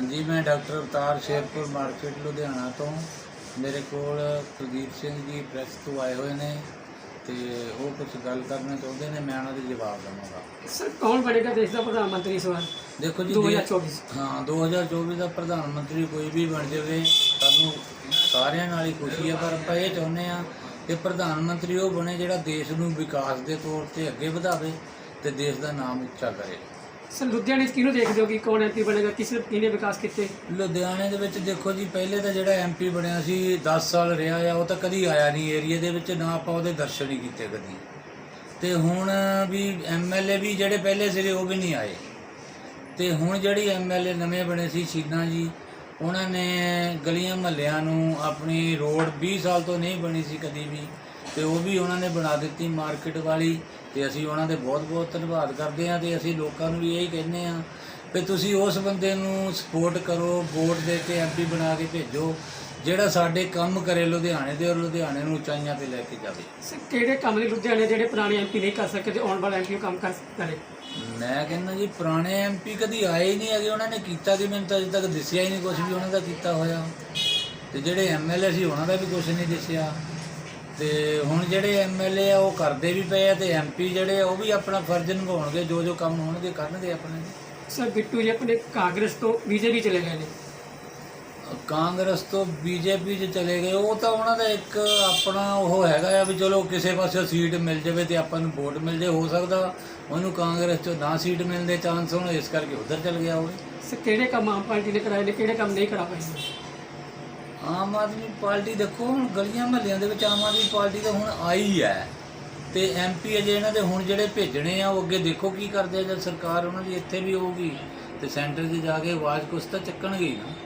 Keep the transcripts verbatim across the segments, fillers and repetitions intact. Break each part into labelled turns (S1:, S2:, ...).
S1: जी, मैं डॉक्टर अवतार शेरपुर मार्केट लुधियाना तो मेरे कोल कुलदीप सिंह जी प्रैस तो आए हुए ने ते वो कुछ गल करना चाहते हैं, मैं उन्होंने जवाब दूँगा।
S2: सर कौन बनेगा देश का प्रधानमंत्री इस बार
S1: देखो जी,
S2: दो हज़ार चौबीस
S1: हाँ दो हज़ार चौबीस का प्रधानमंत्री कोई भी बन जाए सानू सारिਆਂ ਨਾਲ ही खुशी है, पर ਆਪਾਂ ਇਹ ਚਾਹੁੰਦੇ ਹਾਂ कि प्रधानमंत्री वो बने ਜਿਹੜਾ देश ਨੂੰ विकास के तौर पर ਅੱਗੇ ਵਧਾਵੇ ਤੇ देश का नाम ਉੱਚਾ करे।
S2: सर लुधियाने किहनूं देखदे हो कि कौन एमपी बनेगा, किस किहने विकास किए?
S1: लुधियाने ਦੇ ਵਿੱਚ ਦੇਖੋ ਜੀ, ਪਹਿਲੇ ਤਾਂ ਜਿਹੜਾ ਐਮਪੀ ਬਣਿਆ ਸੀ दस ਸਾਲ ਰਿਹਾ ਆ, ਉਹ ਤਾਂ ਕਦੀ ਆਇਆ ਨਹੀਂ ਏਰੀਏ ਦੇ ਵਿੱਚ, ਨਾ ਆਪਾਂ ਉਹਦੇ ਦਰਸ਼ਨ ਹੀ ਕੀਤੇ ਕਦੀ। ਤੇ ਹੁਣ ਵੀ ਐਮਐਲਏ ਵੀ ਜਿਹੜੇ ਪਹਿਲੇ ਸੀਗੇ ਉਹ ਵੀ ਨਹੀਂ ਆਏ। ਤੇ ਹੁਣ ਜਿਹੜੀ ਐਮਐਲਏ ਨਵੇਂ ਬਣੇ ਸੀ ਸ਼ੀਨਾ ਜੀ, ਉਹਨਾਂ ਨੇ ਗਲੀਆਂ ਮਹੱਲਿਆਂ ਨੂੰ ਆਪਣੀ ਰੋਡ बीस ਸਾਲ ਤੋਂ ਨਹੀਂ ਬਣੀ ਸੀ ਕਦੀ ਵੀ, ਤੇ ਉਹ ਵੀ ਉਹਨਾਂ ਨੇ ਬਣਾ ਦਿੱਤੀ ਮਾਰਕੀਟ ਵਾਲੀ। ਤੇ ਅਸੀਂ ਉਹਨਾਂ ਦੇ ਬਹੁਤ ਬਹੁਤ ਧੰਨਵਾਦ ਕਰਦੇ ਹਾਂ। ਤੇ ਅਸੀਂ ਲੋਕਾਂ ਨੂੰ ਵੀ ਇਹੀ ਕਹਿੰਦੇ ਹਾਂ ਵੀ ਤੁਸੀਂ ਉਸ ਬੰਦੇ ਨੂੰ ਸਪੋਰਟ ਕਰੋ, ਵੋਟ ਦੇ ਕੇ ਐਮਪੀ ਬਣਾ ਕੇ ਭੇਜੋ ਜਿਹੜਾ ਸਾਡੇ ਕੰਮ ਕਰੇ ਲੁਧਿਆਣੇ ਦੇ, ਔਰ ਲੁਧਿਆਣੇ ਨੂੰ ਉਚਾਈਆਂ ਤੇ ਲੈ ਕੇ ਜਾਵੇ।
S2: ਸਰ ਕਿਹੜੇ ਕੰਮ ਨੇ ਲੁਧਿਆਣੇ ਜਿਹੜੇ ਪੁਰਾਣੇ ਐਮਪੀ ਨਹੀਂ ਕਰ ਸਕੇ ਤੇ ਆਉਣ ਵਾਲਾ ਐਮਪੀ ਕੰਮ ਕਰ ਕਰੇ?
S1: ਮੈਂ ਕਹਿੰਦਾ ਜੀ, ਪੁਰਾਣੇ ਐਮਪੀ ਕਦੀ ਆਏ ਹੀ ਨਹੀਂ ਹੈਗੇ, ਉਹਨਾਂ ਨੇ ਕੀਤਾ ਕਿ ਮੈਨੂੰ ਤਾਂ ਅਜੇ ਤੱਕ ਦਿਸਿਆ ਹੀ ਨਹੀਂ ਕੁਝ ਵੀ ਉਹਨਾਂ ਦਾ ਕੀਤਾ ਹੋਇਆ। ਤੇ ਜਿਹੜੇ ਐਮਐਲਏ ਸੀ ਉਹਨਾਂ ਦਾ ਵੀ ਕੁਝ ਨਹੀਂ ਦਿਸਿਆ। ਤੇ ਹੁਣ ਜਿਹੜੇ ਐਮਐਲਏ ਆ ਉਹ ਕਰਦੇ ਵੀ ਪਏ ਆ, ਤੇ ਐਮਪੀ ਜਿਹੜੇ ਆ ਉਹ ਵੀ ਆਪਣਾ ਫਰਜ਼ ਨਿਭਾਉਣਗੇ, ਜੋ ਜੋ ਕੰਮ ਹੋਣਗੇ ਕਰਨਗੇ ਆਪਣੇ।
S2: ਸਰ ਬਿੱਟੂ ਜੀ ਆਪਣੇ ਕਾਂਗਰਸ ਤੋਂ ਬੀਜੇਪੀ ਚਲੇ ਗਏ ਨੇ।
S1: ਕਾਂਗਰਸ ਤੋਂ ਬੀਜੇਪੀ 'ਚ ਚਲੇ ਗਏ, ਉਹ ਤਾਂ ਉਹਨਾਂ ਦਾ ਇੱਕ ਆਪਣਾ ਉਹ ਹੈਗਾ ਆ ਵੀ ਚਲੋ ਕਿਸੇ ਪਾਸੇ ਸੀਟ ਮਿਲ ਜਾਵੇ ਤੇ ਆਪਾਂ ਨੂੰ ਵੋਟ ਮਿਲ ਜੇ। ਹੋ ਸਕਦਾ ਉਹਨੂੰ ਕਾਂਗਰਸ 'ਚੋਂ ਨਾ ਸੀਟ ਮਿਲਣ ਦੇ ਚਾਂਸ ਹੋਣ, ਇਸ ਕਰਕੇ ਉੱਧਰ ਚਲ ਗਿਆ ਹੋਵੇ।
S2: ਸਰ ਕਿਹੜੇ ਕੰਮ ਆਮ ਪਾਰਟੀ ਨੇ ਕਰਾਏ ਨੇ, ਕਿਹੜੇ ਕੰਮ ਨਹੀਂ ਕਰਾ ਪਾਈ?
S1: ਆਮ ਆਦਮੀ ਪਾਰਟੀ ਦੇਖੋ, ਹੁਣ ਗਲੀਆਂ ਮਹੱਲਿਆਂ ਦੇ ਵਿੱਚ ਆਮ ਆਦਮੀ ਪਾਰਟੀ ਤਾਂ ਹੁਣ ਆਈ ਹੈ, ਤੇ ਐਮਪੀ ਅਜੇ ਇਹਨਾਂ ਦੇ ਹੁਣ ਜਿਹੜੇ ਭੇਜਣੇ ਆ ਉਹ ਅੱਗੇ ਦੇਖੋ ਕੀ ਕਰਦੇ ਆ। ਜਦ ਸਰਕਾਰ ਉਹਨਾਂ ਦੀ ਇੱਥੇ ਵੀ ਹੋਊਗੀ ਤੇ ਸੈਂਟਰ 'ਚ ਜਾ ਕੇ ਆਵਾਜ਼ ਕੁਛ ਤਾਂ ਚੱਕਣਗੇ ਹੀ ਨਾ।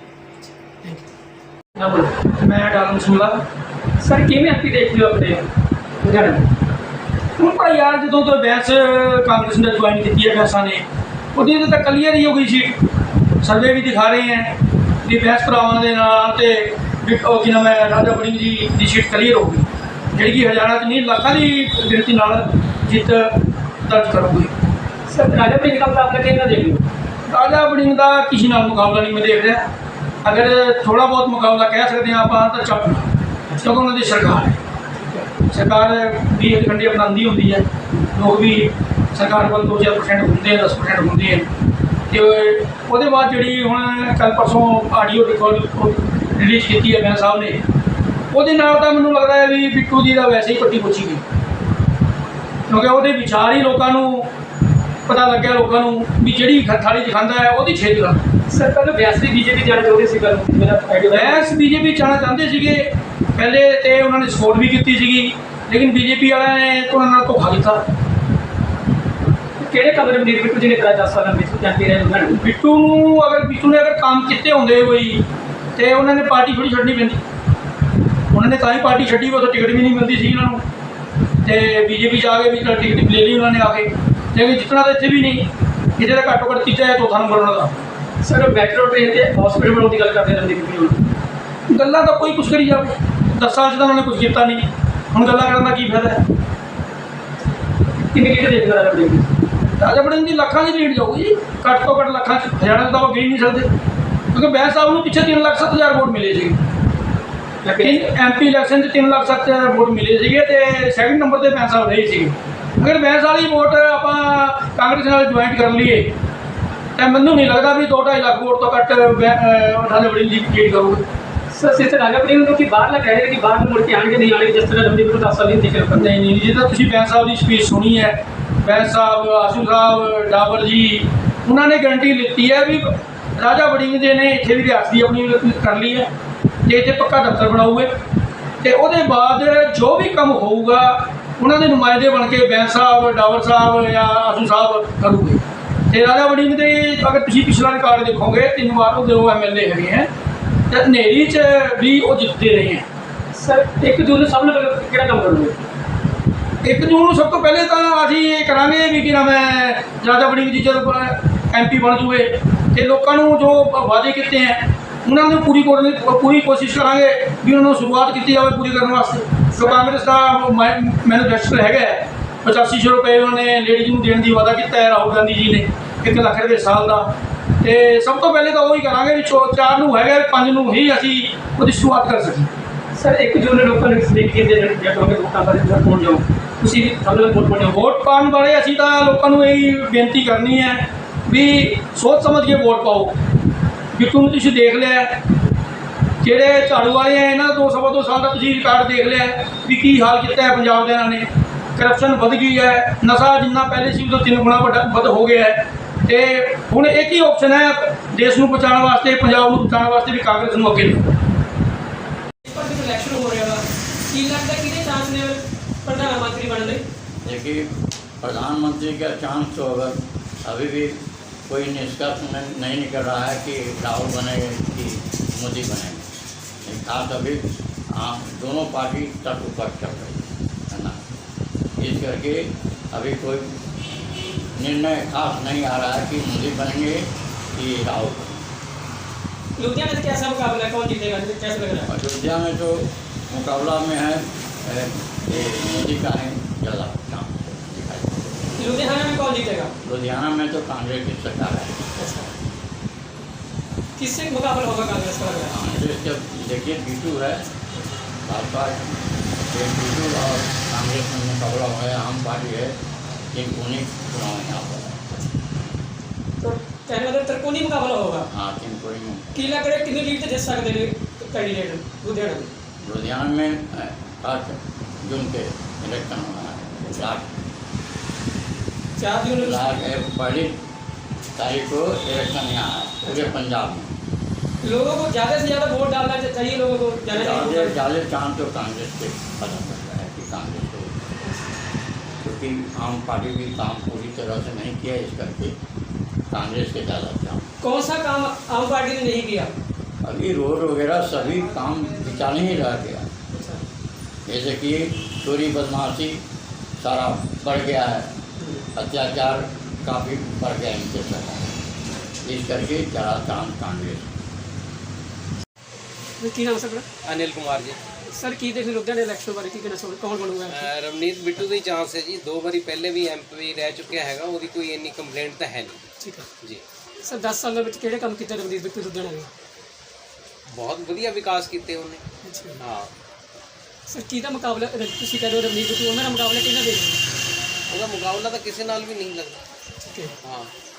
S3: मैं डालन सुला
S2: सर किवें एमपी देखते हो अपने लुधियाने?
S3: हूँ भाई यार जो तो बहस कांग्रेस ने ज्वाइन की है बैंसा ने वो तो क्लीयर ही हो गई सीट। सर्वे भी दिखा रहे हैं कि बहस भरावान के नाल कि नाम है राजा वड़िंग जी की सीट क्लीयर हो गई, जी हज़ारा च नहीं लाखों की गिनती नाल जित दर्ज करूँगी।
S2: सर राजा वड़िंग का मुकाबला किहदे नाल देख लो?
S3: राजा वड़िंग का किसी नाल मुकाबला नहीं मैं देख रहा। अगर थोड़ा बहुत मुकाबला कह सकते हैं आप तो चप, क्योंकि उन्होंने सरकार है, सरकार भी एक घंटे अपनाती होंगी है, लोग भी सरकार को दो चार परसेंट होंगे हैं, दस परसेंट होंगे हैं। तो वो बाद जी हूँ कल परसों आडियो रिकॉर्ड रिलीज़ की है मैं साहब ने, वो मैं लगता है भी बिट्टू जी का वैसे ही पट्टी पुछी गई, क्योंकि वो विचार ही लोगों पता लग्या, लोगों भी जी थाली च खांदा है वो छेद करता।
S2: सर पहले बैस भी बीजेपी जाना चाहते सी, गल मेरा आइडिया
S3: बैस बीजेपी जाना चाहते थे पहले, तो उन्होंने सपोर्ट भी की सी, लेकिन बीजेपी वाले ने तो उन्होंने धोखा किया।
S2: किहड़े काम ने बिट्टू जी ने कराया दस साल में जाते रहे?
S3: बिट्टू अगर बिट्टू ने अगर काम किए होंगे कोई तो उन्होंने पार्टी थोड़ी छड्डनी पैंदी, उन्होंने तां ही पार्टी छड्डी, वो तो टिकट भी नहीं मिलती सी उन्होंने, तो बीजेपी च आ गए भी टिकट ले ली उन्होंने आके, लेकिन जितना तो इतने भी नहीं, कितने का घट्टो घट्ट तीजा या चौथा नंबर उन्होंने।
S2: सर मेट्रो ट्रेन से हॉस्पिटल बनाने की गल करते रहते,
S3: गल्लां तो कोई कुछ करी जाए, दस साल से तो उन्होंने कुछ किया नहीं, हुण गल्लां करन दा की फायदा है?
S2: किन्नी लीड देखना राजा वड़िंग?
S3: राजा वड़िंग की लाखों की लीड जाऊगी जी, घट तो घट लाखों हज़ारा तो आप गिन नहीं सकते, क्योंकि बैस साहब को पिछले तीन लाख सत्त हज़ार वोट मिले थे, एम पी इलैक्शन से तीन लाख सत्त हज़ार वोट मिले थे, तो सैकेंड नंबर पर बैस साहब रहे थे। अगर बैस वाली वोट आप कांग्रेस नाल ज्वाइंट कर लीए तो मैं नहीं लगता भी दो ढाई लाख वोट तो घट राजा वड़िंग जी लीड करोगे।
S2: सर सिस्टर राजा वड़िंग कि बाहर कह रहे कि बाहर मुड़ के आएंगे नहीं आने, जिस तरह रमदीप दस साल नहीं देखे लोग
S3: नहीं नहीं जी, तो तुम बैस साहब की स्पीच सुनी है, बैस साहब आसू साहब डाबर जी उन्होंने गारंटी लीती है भी राजा वड़िंग जी ने इतने भी रियासती अपनी कर ली है, जो इतने पक्का दफ्तर बनाऊगे तो वो बाद जो भी काम होगा उन्होंने नुमाइंदे बन के बैस साहब डावर साहब या आसू साहब करूँगे। तो राजा वड़िंग के अगर तुम पिछला रिकॉर्ड देखोगे तीन बार वो एम एल ए है, तो हनेरी च भी वो जीतते रहे हैं।
S2: सर एक जून सब कि काम करोगे?
S3: एक जून सब तो पहले तो अभी ये करा भी कि नाम है राजा वड़िंग जी जब एम पी बन जूए तो लोगों जो वादे किए हैं उन्होंने पूरी पूरी कोशिश करा भी उन्होंने शुरुआत की जाए पूरी करने वास्ते। तो कांग्रेस का मैनीफेस्टो है पचासी सौ रुपये उन्होंने लेडीज़ को देने की वादा किया है राहुल गांधी जी ने, एक लाख रुपये साल का, ਤੇ ਸਭ ਤੋਂ ਪਹਿਲੇ ਤਾਂ ਉਹ ਹੀ ਕਰਾਂਗੇ ਵੀ ਚੋ ਚਾਰ ਨੂੰ ਹੈਗਾ ਪੰਜ ਨੂੰ ਹੀ ਅਸੀਂ ਉਹਦੀ ਸ਼ੁਰੂਆਤ ਕਰ ਸਕੀਏ।
S2: ਸਰ ਇੱਕ ਜੂਨ ਨੂੰ ਲੋਕਾਂ ਨੇ ਸਲੀਪ ਕੀਤੇ ਜਿਹੜੇ ਲੋਕਾਂ ਵੋਟਾਂ ਬਾਰੇ ਜਦ ਪਹੁੰਚ ਜਾਓ ਤੁਸੀਂ ਵੀ ਸਭ ਨੂੰ ਵੋਟ ਪਾਉਣੇ ਹੋ।
S3: ਵੋਟ ਪਾਉਣ ਬਾਰੇ ਅਸੀਂ ਤਾਂ ਲੋਕਾਂ ਨੂੰ ਇਹ ਬੇਨਤੀ ਕਰਨੀ ਹੈ ਵੀ ਸੋਚ ਸਮਝ ਕੇ ਵੋਟ ਪਾਓ। ਬਿੱਟੂ ਨੂੰ ਤੁਸੀਂ ਦੇਖ ਲਿਆ, ਜਿਹੜੇ ਝਾੜੂ ਵਾਲੇ ਆ ਇਹਨਾਂ ਦਾ ਦੋ ਸਵਾ ਦੋ ਸਾਲ ਦਾ ਤੁਸੀਂ ਰਿਕਾਰਡ ਦੇਖ ਲਿਆ ਵੀ ਕੀ ਹਾਲ ਕੀਤਾ ਹੈ ਪੰਜਾਬ ਦੇ। ਇਹਨਾਂ ਨੇ ਕਰਪਸ਼ਨ ਵਧ ਗਈ ਹੈ, ਨਸ਼ਾ ਜਿੰਨਾ ਪਹਿਲੇ ਸੀ ਉਦੋਂ ਤਿੰਨ ਗੁਣਾ ਵੱਡਾ ਵੱਧ ਹੋ ਗਿਆ ਹੈ। ਤੇ ਹੁਣ ਇੱਕ ਹੀ ਆਪਸ਼ਨ ਹੈ ਦੇਸ਼ ਨੂੰ ਬਚਾਉਣ ਵਾਸਤੇ, ਪੰਜਾਬ ਨੂੰ ਬਚਾਉਣ ਵਾਸਤੇ ਵੀ ਕਾਂਗਰਸ ਨੂੰ ਅੱਗੇ ਲਿਆਓ।
S2: पर जो इलेक्शन हो रहा है की लगता है कि चांस ने प्रधानमंत्री बनने दे?
S4: देखिए प्रधानमंत्री का चांस तो अगर अभी भी कोई निष्कर्ष नहीं निकल रहा है कि राहुल बनेंगे कि मोदी बनेंगे। खास अभी हाँ दोनों पार्टी तट ऊपर चल रही है ना, इस करके अभी कोई निर्णय खास नहीं आ रहा है कि मोदी बनेंगे कि राहुल बनेंगे।
S2: लुधियाना में कैसा मुकाबला है, कौन जीतेगा, कैसा लग रहा है?
S4: अयोध्या में तो मुकाबला में है ए, ए, मोदी का है ज़्यादा चांस दिखाई।
S2: लुधियाना में कौन जीतेगा?
S4: लुधियाना में तो कांग्रेस की सरकार है।
S2: अच्छा, किससे मुकाबला होगा कांग्रेस का लग रहा है?
S4: कांग्रेस जब देखिए बीटू है भाजपा ये बीटू और कांग्रेस में मुकाबला है, आम पार्टी है, इन उन्हीं चुनाव यहाँ पर है।
S2: तो कहने मतलब त्रिकोणीय मुकाबला होगा।
S4: हाँ तीन कोई में
S2: की लग रहा है कितनी लीड जित सकते हैं कैंडिडेट लुधियाना में?
S4: लुधियाना में सात जून के इलेक्शन होना है। लास्ट
S2: चार जून
S4: लास्ट पहली तारीख को इलेक्शन यहाँ है पूरे पंजाब में।
S2: लोगों को ज़्यादा से ज़्यादा वोट डालना चाहिए, लोगों को जाना
S4: ज़्यादा
S2: चाहिए।
S4: ज़्यादा चांस तो कांग्रेस के पता चलता है कि कांग्रेस को, क्योंकि आम पार्टी भी काम पूरी तरह से नहीं किया, इस करके कांग्रेस के ज़्यादा चांस।
S2: कौन सा काम आम पार्टी ने नहीं किया?
S4: अभी रोड वगैरह सभी काम बिचाने ही रह गया। जैसे कि चोरी बदमाशी सारा बढ़ गया है, अत्याचार काफ़ी बढ़ गया इनके साथ, इस करके ज़्यादा चांस कांग्रेस।
S2: की नाम सर?
S5: अनिल कुमार जी।
S2: सर की देख लुधियाना इलेक्शन बारे की कहना चाहोगे, कौन बनूगा?
S5: ਅਹ ਰਵਨੀਤ ਬਿੱਟੂ ਦੀ ਚਾਂਸ ਹੈ ਜੀ, ਦੋ ਵਾਰੀ ਪਹਿਲੇ ਵੀ ਐਮਪੀ ਰਹਿ ਚੁੱਕਿਆ ਹੈਗਾ, ਉਹਦੀ ਕੋਈ ਇੰਨੀ ਕੰਪਲੇਂਟ ਤਾਂ ਹੈ ਨਹੀਂ
S2: ਠੀਕ ਹੈ
S5: ਜੀ।
S2: ਸਰ ਦਸ ਸਾਲਾਂ ਵਿੱਚ ਕਿਹੜੇ ਕੰਮ ਕੀਤੇ ਰਵਨੀਤ ਬਿੱਟੂ ਲੁਧਿਆਣਾ ਨੇ?
S5: ਬਹੁਤ ਵਧੀਆ ਵਿਕਾਸ ਕੀਤੇ ਉਹਨੇ।
S2: ਅੱਛਾ
S5: ਹਾਂ
S2: ਸਰ ਕਿਹਦਾ ਮੁਕਾਬਲਾ ਤੁਸੀਂ ਕਹਿੰਦੇ ਹੋ ਰਵਨੀਤ ਬਿੱਟੂ, ਉਹਨਾਂ ਦਾ ਮੁਕਾਬਲਾ ਕਿਹਨਾਂ ਦੇ?
S5: ਉਹਦਾ ਮੁਕਾਬਲਾ ਤਾਂ ਕਿਸੇ ਨਾਲ ਵੀ ਨਹੀਂ ਲੱਗਦਾ।
S2: ਠੀਕ ਹੈ,
S5: ਹਾਂ